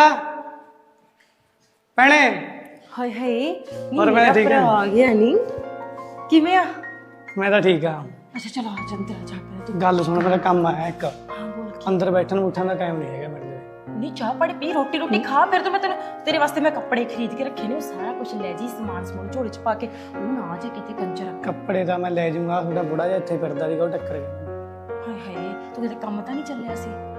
S6: ਭੈਣੇ।
S2: ਹਾਏ ਹਾਏ
S6: ਹੋਰ ਮੈਂ ਠੀਕ ਹਾਂ।
S2: ਆ ਗਿਆ ਨਹੀਂ, ਕਿਵੇਂ ਆ?
S6: ਮੈਂ ਤਾਂ ਠੀਕ ਆ।
S2: ਅੱਛਾ ਚਲੋ ਆ ਜਾ ਅੰਦਰ, ਆ ਜਾ ਪਹਿਲਾਂ ਤੂੰ।
S6: ਗੱਲ ਸੁਣ, ਮੇਰਾ ਕੰਮ ਆਇਆ ਇੱਕ।
S2: ਹਾਂ ਬੋਲ।
S6: ਅੰਦਰ ਬੈਠਣ ਬੁੱਠਣ ਦਾ ਟਾਈਮ ਨਹੀਂ ਹੈਗਾ ਮੇਰੇ ਕੋਲ।
S2: ਨਹੀਂ ਚਾਹ ਪਾਣੀ ਪੀ, ਰੋਟੀ ਰੋਟੀ ਖਾ, ਫਿਰ ਤਾਂ ਮੈਂ ਤੈਨੂੰ ਤੇਰੇ ਵਾਸਤੇ ਮੈਂ ਕੱਪੜੇ ਖਰੀਦ ਕੇ ਰੱਖੇ ਨੇ, ਉਹ ਸਾਰਾ ਕੁਝ ਲੈ ਜੀ, ਸਮਾਨ ਸਮੂਨ ਝੋਲੇ 'ਚ ਪਾ ਕੇ। ਉਹ ਨਾ ਜੇ ਕਿਤੇ ਕੰਜਰ।
S6: ਕੱਪੜੇ ਤਾਂ ਮੈਂ ਲੈ ਜਾਊਂਗਾ, ਤੁਹਾਡਾ ਬੁੜਾ ਜਿਹਾ ਇੱਥੇ ਫਿਰਦਾ ਸੀਗਾ, ਉਹ ਟੱਕਰ ਗਿਆ।
S2: ਹਾਏ ਹਾਏ ਤੂੰ ਕਿਤੇ ਕੰਮ ਤਾਂ ਨਹੀਂ ਚੱਲਿਆ ਸੀ?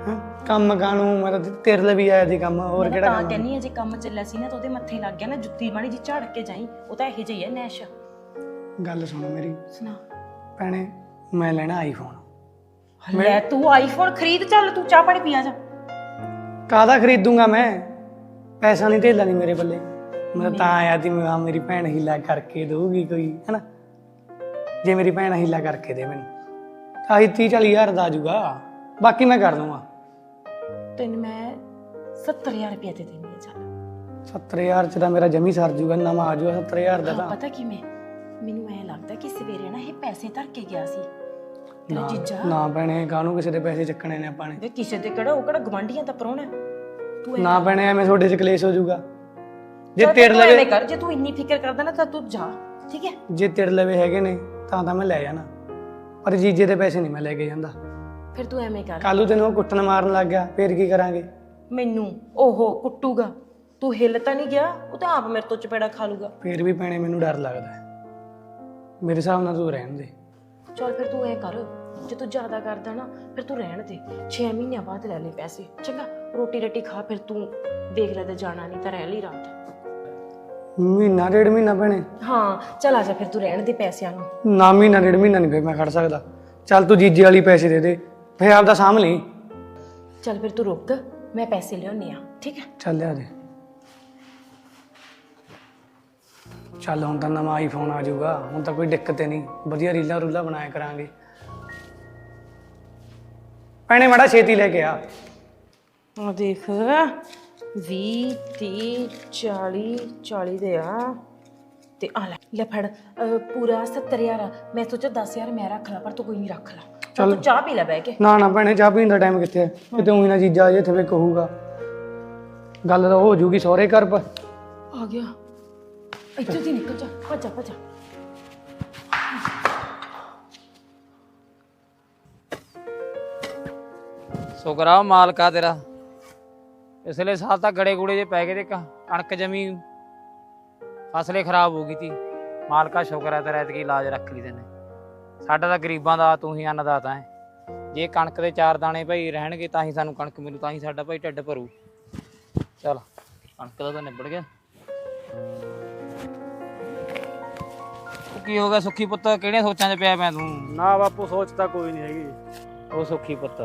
S6: ਹੈਂ? ਕੰਮ ਕਾਨੂੰ ਮੈਂ ਤਾਂ ਤੇਰੇ ਲਈ ਵੀ ਆਇਆ ਸੀ ਕੰਮ, ਹੋਰ
S2: ਮੈਂ
S6: ਕਿਹੜਾ
S2: ਤਾਂ
S6: ਕੰਮ ਆ?
S2: ਕਹਿੰਨੀ ਆ ਜੇ ਕੰਮ ਚੱਲਿਆ ਸੀ ਨਾ ਤਾਂ ਉਹਦੇ ਮੱਥੇ ਲੱਗ ਗਿਆ ਨਾ ਜੁੱਤੀ ਮਾੜੀ ਜੀ ਝਾੜ ਕੇ ਜਾਈ, ਉਹ ਤਾਂ ਇਹੋ ਜਿਹੀ ਹੈ ਨੈਸ਼।
S6: ਗੱਲ ਸੁਣ ਮੇਰੀ
S2: ਸੁਣਾ।
S6: ਭੈਣੇ, ਮੈਂ ਲੈਣਾ ਆਈਫੋਨ।
S2: ਲੈ ਤੂੰ ਆਈਫੋਨ ਖਰੀਦ, ਚੱਲ ਤੂੰ ਚਾਹ ਪਾਣੀ ਪੀਆ ਜਾ।
S6: ਕਾਹਦਾ ਖਰੀਦੂੰਗਾ ਮੈਂ, ਪੈਸਾ ਨਹੀਂ ਧੇਲਾ ਨਹੀਂ ਮੇਰੇ ਬੱਲੇ। ਮੈਂ ਤਾਂ ਆਇਆ ਸੀ, ਮੈਂ ਕਿਹਾ ਮੇਰੀ ਭੈਣ ਹੀਲਾ ਕਰਕੇ ਦਊਗੀ ਕੋਈ, ਹੈਨਾ। ਜੇ ਮੇਰੀ ਭੈਣ ਹੀਲਾ ਕਰਕੇ ਦੇ ਮੈਨੂੰ, ਆਹੀ ਤੀਹ ਚਾਲੀ ਹਜ਼ਾਰ ਦਾ ਆ ਜਾਊਗਾ, ਬਾਕੀ ਮੈਂ ਕਰ ਦੂੰਗਾ।
S2: ਤੈਨੂੰ ਮੈਂ ਸੱਤਰ ਹਜ਼ਾਰ ਰੁਪਇਆ ਦੇ ਦੇਣੀ ਆ। ਚੱਲ
S6: ਸੱਤਰ ਹਜ਼ਾਰ ਚ ਤਾਂ ਮੇਰਾ ਜਮੀ ਸਰ ਜੂਗਾ, ਨਵਾਂ ਆ ਜਾਊਗਾ ਸੱਤਰ ਹਜ਼ਾਰ ਦਾ
S2: ਹਾਂ,
S6: ਤਾਂ।
S2: ਪਤਾ ਕਿਵੇਂ ਮੈਨੂੰ ਐ ਲੱਗਦਾ ਕਿ ਸਵੇਰੇ ਨਾ ਇਹ ਪੈਸੇ ਧਰ ਕੇ ਗਿਆ ਸੀ ਤੇਰਾ ਜੀਜਾ।
S6: ਨਾ ਭੈਣੇ, ਕਾਹਨੂੰ ਕਿਸੇ ਦੇ ਪੈਸੇ ਚੱਕਣੇ ਨੇ ਆਪਾਂ ਨੇ।
S2: ਵੇ ਕਿਸੇ ਦੇ ਕਿਹੜਾ, ਉਹ ਕਿਹੜਾ ਗਵਾਂਢੀਆਂ ਦਾ ਪ੍ਰਾਹੁਣਾ ਤੂੰ ਐਂ
S6: ਨਾ ਭੈਣੇ, ਐਵੇਂ ਤੁਹਾਡੇ ਚ ਕਲੇਸ਼ ਹੋ ਜਾਊਗਾ। ਜੇ
S2: ਚੱਲ
S6: ਤੇਰੇ
S2: ਤੂੰ ਐਵੇਂ
S6: ਲਵੇ
S2: ਕਰ, ਜੇ ਤੂੰ ਇੰਨੀ ਫਿਕਰ ਕਰਦਾ ਨਾ ਤਾਂ ਤੂੰ ਜਾ, ਠੀਕ ਹੈ।
S6: ਜੇ ਤੇਰੇ ਲਵੇ ਹੈਗੇ ਨੇ ਤਾਂ ਤਾਂ ਮੈਂ ਲੈ ਜਾਣਾ, ਪਰ ਜੀਜੇ ਦੇ ਪੈਸੇ ਨਹੀਂ ਮੈਂ ਲੈ ਕੇ ਜਾਂਦਾ।
S2: ਫਿਰ ਤੂੰ ਐਵੇਂ ਕਰ,
S6: ਕੱਲੂ ਤੈਨੂੰ ਉਹ ਕੁੱਟਣ ਮਾਰਨ ਲੱਗ ਗਿਆ, ਫੇਰ ਕੀ ਕਰਾਂਗੇ?
S2: ਮੈਨੂੰ ਉਹ ਕੁੱਟੂਗਾ, ਤੂੰ ਹਿੱਲ ਤਾਂ ਨਹੀਂ ਗਿਆ, ਉਹ ਤਾਂ ਆਪ ਮੇਰੇ ਤੋਂ ਚਪੇੜਾ ਖਾ ਲੂਗਾ।
S6: ਫੇਰ ਵੀ ਭੈਣੇ ਮੈਨੂੰ ਡਰ ਲੱਗਦਾ ਹੈ, ਮੇਰੇ ਹਿਸਾਬ ਨਾਲ ਤੂੰ ਰਹਿਣ ਦੇ।
S2: ਚੱਲ ਫਿਰ ਤੂੰ ਐ ਕਰ, ਜੇ ਤੂੰ ਜ਼ਿਆਦਾ ਕਰਦਾ ਨਾ ਫਿਰ ਤੂੰ ਰਹਿਣ ਦੇ, ਛੇ ਮਹੀਨਿਆਂ ਬਾਅਦ ਲੈ ਲੈ ਪੈਸੇ, ਚੰਗਾ। ਰੋਟੀ ਰੱਟੀ ਖਾ, ਫਿਰ ਤੂੰ ਦੇਖ ਲੈ ਤੇ ਜਾਣਾ ਨਹੀਂ ਤਾਂ ਰਹਿ ਲਈ ਰਾਤ।
S6: ਮਹੀਨਾ ਡੇਢ ਮਹੀਨਾ ਭੈਣੇ?
S2: ਹਾਂ ਚੱਲ ਆ ਜਾ ਫਿਰ, ਤੂੰ ਰਹਿਣ ਦੇ ਪੈਸਿਆਂ ਨੂੰ।
S6: ਨਾ ਮਹੀਨਾ ਡੇਢ ਮਹੀਨਾ ਨਹੀਂ ਫੇਰ ਮੈਂ ਖੜ ਸਕਦਾ। ਚੱਲ ਤੂੰ ਜੀਜੇ ਵਾਲੀ ਪੈਸੇ ਦੇ ਦੇ, ਫੇਰ ਆਪਦਾ ਸਾਂਭ ਲਈ।
S2: ਚੱਲ ਫਿਰ ਤੂੰ ਰੁਕ, ਮੈਂ ਪੈਸੇ ਲਿਆਉਣੀ ਆ, ਠੀਕ ਹੈ।
S6: ਚੱਲ ਲਿਆ ਦੇ। ਚੱਲ ਹੁਣ ਤਾਂ ਨਵਾਂ ਆਈਫੋਨ ਆ ਜਾਊਗਾ, ਹੁਣ ਤਾਂ ਕੋਈ ਦਿੱਕਤ ਹੀ ਨਹੀਂ, ਵਧੀਆ ਰੀਲਾਂ ਰੂਲਾਂ ਬਣਾਇਆ ਕਰਾਂਗੇ। ਭੈਣੇ ਮਾੜਾ ਛੇਤੀ ਲੈ ਕੇ ਆ।
S2: ਆ ਦੇਖ, ਵੀਹ ਤੀਹ ਚਾਲੀ ਚਾਲੀ ਦੇ ਆ ਤੇ ਆ ਲੈ ਲੈ ਫੜ, ਅਹ ਪੂਰਾ ਸੱਤਰ ਹਜ਼ਾਰ। ਮੈਂ ਸੋਚਿਆ ਦਸ ਹਜ਼ਾਰ ਮੈਂ ਰੱਖ ਲਾ, ਪਰ ਤੂੰ ਕੋਈ ਨਹੀਂ, ਰੱਖ ਲਾ। ਚੱਲ ਤੂੰ ਚਾਹ ਪੀ ਲੈ ਬਹਿ ਕੇ।
S6: ਨਾ ਨਾ ਭੈਣੇ, ਚਾਹ ਪੀਣ ਦਾ ਟਾਈਮ ਕਿੱਥੇ ਹੈ? ਕਿਤੇ ਉਹੀ ਨਾ ਜੀਜਾ ਜੇ ਇੱਥੇ ਕਹੂਗਾ, ਗੱਲ ਤਾਂ ਹੋ ਜੂਗੀ ਸਹੁਰੇ ਘਰ ਪਰ।
S2: ਆ ਗਿਆ, ਇੱਥੋਂ ਦੀ ਨਿਕਲ ਜਾ, ਭੱਜਾ ਭੱਜਾ।
S5: ਸ਼ੁਕਰਾ ਮਾਲਕਾ ਤੇਰਾ, ਪਿਛਲੇ ਸਾਲ ਤਾਂ ਗੜੇ ਗੁੜੇ ਜੇ ਪੈ ਗਏ ਤੇ ਕ- ਕਣਕ ਜਮੀ ਫਸਲੇ ਖਰਾਬ ਹੋ ਗਈ ਤੀ। ਮਾਲਕਾ ਸ਼ੁਕਰ ਹੈ ਤੇਰਾ, ਐਤਕੀ ਇਲਾਜ ਰੱਖ ਲਈ ਤੈਨੇ। ਸਾਡਾ ਤਾਂ ਗਰੀਬਾਂ ਦਾ ਤੂੰ ਹੀ ਅੰਨਦਾਤਾ ਹੈ। ਜੇ ਕਣਕ ਦੇ ਚਾਰ ਦਾਣੇ ਭਾਈ ਰਹਿਣਗੇ ਤਾਂ ਹੀ ਸਾਨੂੰ ਕਣਕ ਮਿਲੂ, ਤਾਂ ਹੀ ਸਾਡਾ ਭਾਈ ਢਿੱਡ ਭਰੂ। ਚੱਲ ਕਣਕ ਦਾ ਤਾਂ ਨਿਬੜ ਗਿਆ। ਉਹ ਕੀ ਹੋ ਗਿਆ ਸੁੱਖੀ ਪੁੱਤ, ਕਿਹੜੀਆਂ ਸੋਚਾਂ 'ਚ ਪਿਆ ਮੈਂ ਤੂੰ?
S3: ਨਾ ਬਾਪੂ, ਸੋਚ ਤਾਂ ਕੋਈ ਨਹੀਂ ਹੈਗੀ।
S5: ਉਹ ਸੁੱਖੀ ਪੁੱਤ,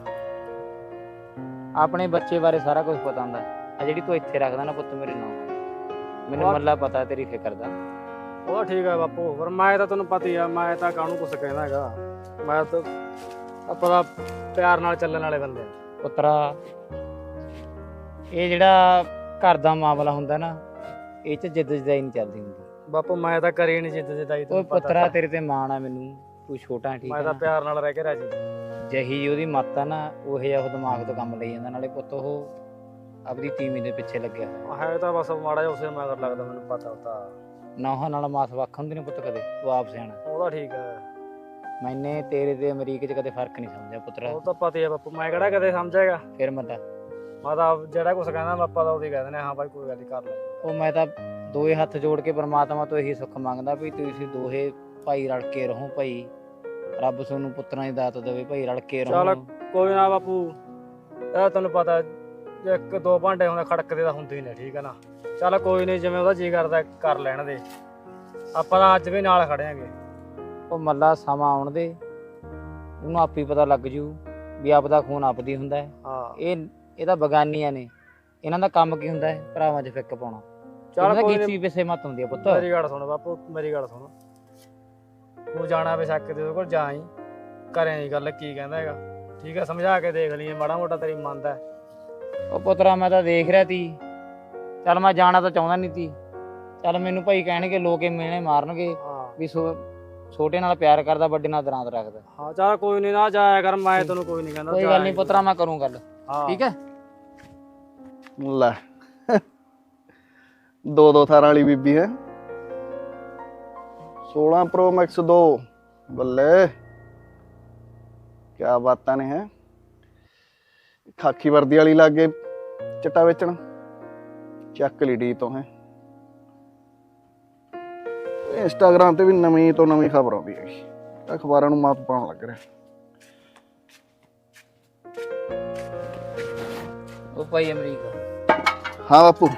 S5: ਆਪਣੇ ਬੱਚੇ ਬਾਰੇ ਸਾਰਾ ਕੁਝ ਪਤਾ ਹੁੰਦਾ। ਆ ਜਿਹੜੀ ਤੂੰ ਇੱਥੇ ਰੱਖਦਾ ਨਾ ਪੁੱਤ ਮੇਰੇ ਨਾਲ, ਮੈਨੂੰ ਮੱਲਾ ਪਤਾ ਤੇਰੀ ਫਿਕਰ ਦਾ।
S3: ਉਹ ਠੀਕ ਹੈ ਬਾਪੂ, ਪਰ ਮੈਂ ਤਾਂ ਤੈਨੂੰ ਪਤਾ ਹੀ ਆ, ਮੈਂ ਤਾਂ ਕਾਹਨੂੰ ਕੁਛ ਕਹਿੰਦਾ ਹੈਗਾ। ਮੈਂ ਤਾਂ ਆਪਾਂ ਤਾਂ ਪਿਆਰ ਨਾਲ ਚੱਲਣ ਵਾਲੇ ਬੰਦੇ ਆ।
S5: ਪੁੱਤਰਾ, ਇਹ ਜਿਹੜਾ ਘਰ ਦਾ ਮਾਮਲਾ ਹੁੰਦਾ ਨਾ, ਇਹ 'ਚ ਜਿੱਦ ਜਦਾਈ ਨਹੀਂ ਚੱਲਦੀ ਹੁੰਦੀ।
S3: ਬਾਪੂ ਮੈਂ ਤਾਂ ਕਰੀ ਨਹੀਂ ਜਿੱਦ ਜਿੱਦਾਈ,
S5: ਉਹ
S3: ਤੈਨੂੰ ਪਤਾ।
S5: ਪੁੱਤਰਾ ਤੇਰੇ ਤੇ ਮਾਣ ਆ ਮੈਨੂੰ, ਤੂੰ ਛੋਟਾ ਠੀਕ
S3: ਮੈਂ
S5: ਹੈ
S3: ਤਾਂ
S5: ਨਾ।
S3: ਪਿਆਰ ਨਾਲ ਰਹਿ ਕੇ ਰਾਜੀ।
S5: ਜਿਹੀ ਉਹਦੀ ਮੱਤ ਆ ਨਾ, ਉਹ ਜਿਹਾ ਉਹ ਦਿਮਾਗ ਤੋਂ ਕੰਮ ਲਈ ਜਾਂਦਾ। ਨਾਲੇ ਪੁੱਤ ਉਹ ਆਪਣੀ ਤੀਵੀਂ ਦੇ ਪਿੱਛੇ ਲੱਗਿਆ ਹੋਇਆ।
S3: ਹੈ ਤਾਂ ਬਸ ਮਾੜਾ ਜਿਹਾ ਉਸੇ ਮਗਰ ਲੱਗਦਾ, ਮੈਨੂੰ ਪਤਾ ਉਹਦਾ।
S5: ਨੌਹਾਂ ਨਾਲ ਮਾਸ ਵੱਖ ਹੁੰਦੇ ਨੇ ਪੁੱਤ ਕਦੇ, ਤੂੰ ਆਪ ਸਿਆਣਾ।
S3: ਉਹਦਾ ਠੀਕ ਹੈ,
S5: ਮੈਨੇ ਤੇਰੇ ਤੇ ਅਮਰੀਕ 'ਚ ਕਦੇ ਫਰਕ ਨਹੀਂ ਸਮਝਿਆ ਪੁੱਤਰਾ।
S3: ਉਹ ਤਾਂ ਪਤਾ ਹੀ ਆ ਬਾਪੂ, ਮੈਂ ਕਿਹੜਾ ਕਦੇ ਸਮਝੇਗਾ।
S5: ਫਿਰ ਮੱਲਾ,
S3: ਮੈਂ ਤਾਂ ਜਿਹੜਾ ਕੁਛ ਕਹਿੰਦਾ ਆਪਾਂ ਤਾਂ ਉਹਦੀ ਕਹਿੰਦੇ ਨੇ, ਹਾਂ ਭਾਈ ਕੋਈ ਗੱਲ ਨੀ, ਕਰ ਲੈ।
S5: ਉਹ ਮੈਂ ਤਾਂ ਦੋਏ ਹੱਥ ਜੋੜ ਕੇ ਪਰਮਾਤਮਾ ਤੋਂ ਇਹੀ ਸੁੱਖ ਮੰਗਦਾ ਵੀ ਤੁਸੀਂ ਦੋਹੇ ਭਾਈ ਰਲ ਕੇ ਰਹੋ। ਭਾਈ ਰੱਬ ਤੁਹਾਨੂੰ ਪੁੱਤਰਾਂ ਦੀ ਦਾਤ ਦੇਵੇ, ਭਾਈ ਰਲ ਕੇ ਰਹੋ।
S3: ਚੱਲ ਕੋਈ ਨਾ ਬਾਪੂ, ਇਹ ਤੈਨੂੰ ਪਤਾ ਜੇ ਇੱਕ ਦੋ ਭਾਂਡੇ ਹੁੰਦੇ ਖੜਕਦੇ ਤਾਂ ਹੁੰਦੇ ਹੀ ਨੇ, ਠੀਕ ਹੈ ਨਾ। ਚੱਲ ਕੋਈ ਨਹੀਂ, ਜਿਵੇਂ ਉਹਦਾ ਜੀ ਕਰਦਾ ਕਰ ਲੈਣ ਦੇ, ਆਪਾਂ ਤਾਂ ਅੱਜ ਵੀ ਨਾਲ ਖੜਿਆਂਗੇ।
S5: ਉਹ ਮੱਲਾ ਸਮਾਂ ਆਉਣ ਦੇ, ਉਹਨੂੰ ਆਪੇ ਪਤਾ ਲੱਗ ਜੂ ਵੀ ਆਪਦਾ ਖੂਨ ਆਪਦੀ ਹੁੰਦਾ ਹੈ।
S3: ਹਾਂ
S5: ਇਹ ਇਹ ਤਾਂ ਬਗਾਨੀਆਂ ਨੇ, ਇਹਨਾਂ ਦਾ ਕੰਮ ਕੀ ਹੁੰਦਾ ਹੈ? ਭਰਾਵਾਂ 'ਚ ਫਿੱਕ ਪਾਉਣਾ।
S3: ਚੱਲ
S5: ਚੱਲ
S3: ਕੋਈ
S5: ਗੀਤੀ
S3: ਨੀ,
S5: ਪਿੱਛੇ ਮਤ ਹੁੰਦੀ ਆ ਪੁੱਤ।
S3: ਮੇਰੀ ਗੱਲ ਸੁਣ ਬਾਪੂ, ਮੇਰੀ ਗੱਲ ਸੁਣ। ਤੂੰ ਜਾਣਾ ਬੇਸ਼ੱਕ ਦੇ ਉਹਦੇ ਕੋਲ ਜਾਈ, ਕਰੇ ਗੱਲ ਕੀ ਕਹਿੰਦਾ ਹੈਗਾ, ਠੀਕ ਹੈ। ਸਮਝਾ ਕੇ ਦੇਖ ਲਈਏ, ਮਾੜਾ ਮੋਟਾ ਤੇਰੀ ਮੰਨਦਾ।
S5: ਉਹ ਪੁੱਤਰਾ ਮੈਂ ਤਾਂ ਦੇਖ ਰਿਹਾ ਤੀ, ਚੱਲ ਮੈਂ ਜਾਣਾ ਤਾਂ ਚਾਹੁੰਦਾ ਨਹੀਂ ਤੀ। ਚੱਲ ਮੈਨੂੰ ਭਾਈ ਕਹਿਣਗੇ, ਲੋਕ ਇਹ ਮਿਹਣੇ ਮਾਰਨਗੇ
S3: ਹਾਂ
S5: ਵੀ ਸੋ ਛੋਟੇ ਨਾਲ ਪਿਆਰ ਕਰਦਾ, ਵੱਡੇ ਨਾਲ ਦਰਾਂਤ ਰੱਖਦਾ।
S3: ਹਾਂ ਚੱਲ ਕੋਈ ਨਹੀਂ, ਨਾ ਜਾਇਆ ਕਰ, ਮੈਂ ਤੈਨੂੰ ਕੋਈ ਨਹੀਂ ਕਹਿੰਦਾ।
S5: ਕੋਈ ਗੱਲ ਨਹੀਂ ਪੁੱਤਰਾ, ਮੈਂ ਕਰੂੰ ਗੱਲ,
S3: ਹਾਂ
S5: ਠੀਕ ਹੈ।
S1: ਲੈ ਦੋ ਦੋ ਥਾਰਾਂ ਵਾਲੀ ਬੀਬੀ ਹੈ। ਸੋਲਾਂ ਪ੍ਰੋ ਮੈਕਸ ਦੋ, ਬੱਲੇ ਕਿਆ ਬਾਤਾਂ ਨੇ। ਹੈ ਖਾਕੀ ਵਰਦੀ ਵਾਲੀ ਲਾਗੇ ਚਿੱਟਾ ਵੇਚਣ, ਚੱਕ ਲਈ ਡੀ ਤੋਂ। ਹੈ ਇੰਸਟਾਗ੍ਰਾਮ ਤੇ ਵੀ ਨਵੀਂ ਤੋਂ ਨਵੀਂ ਖਬਰ ਆਉਂਦੀ ਹੈਗੀ, ਅਖਬਾਰਾਂ ਨੂੰ ਮਾਤ ਪਾਉਣ ਲੱਗ ਰਿਹਾ।
S5: ਉਹ ਭਾਈ ਅਮਰੀਕਾ
S1: ਹਾਂ ਬਾਪੂ।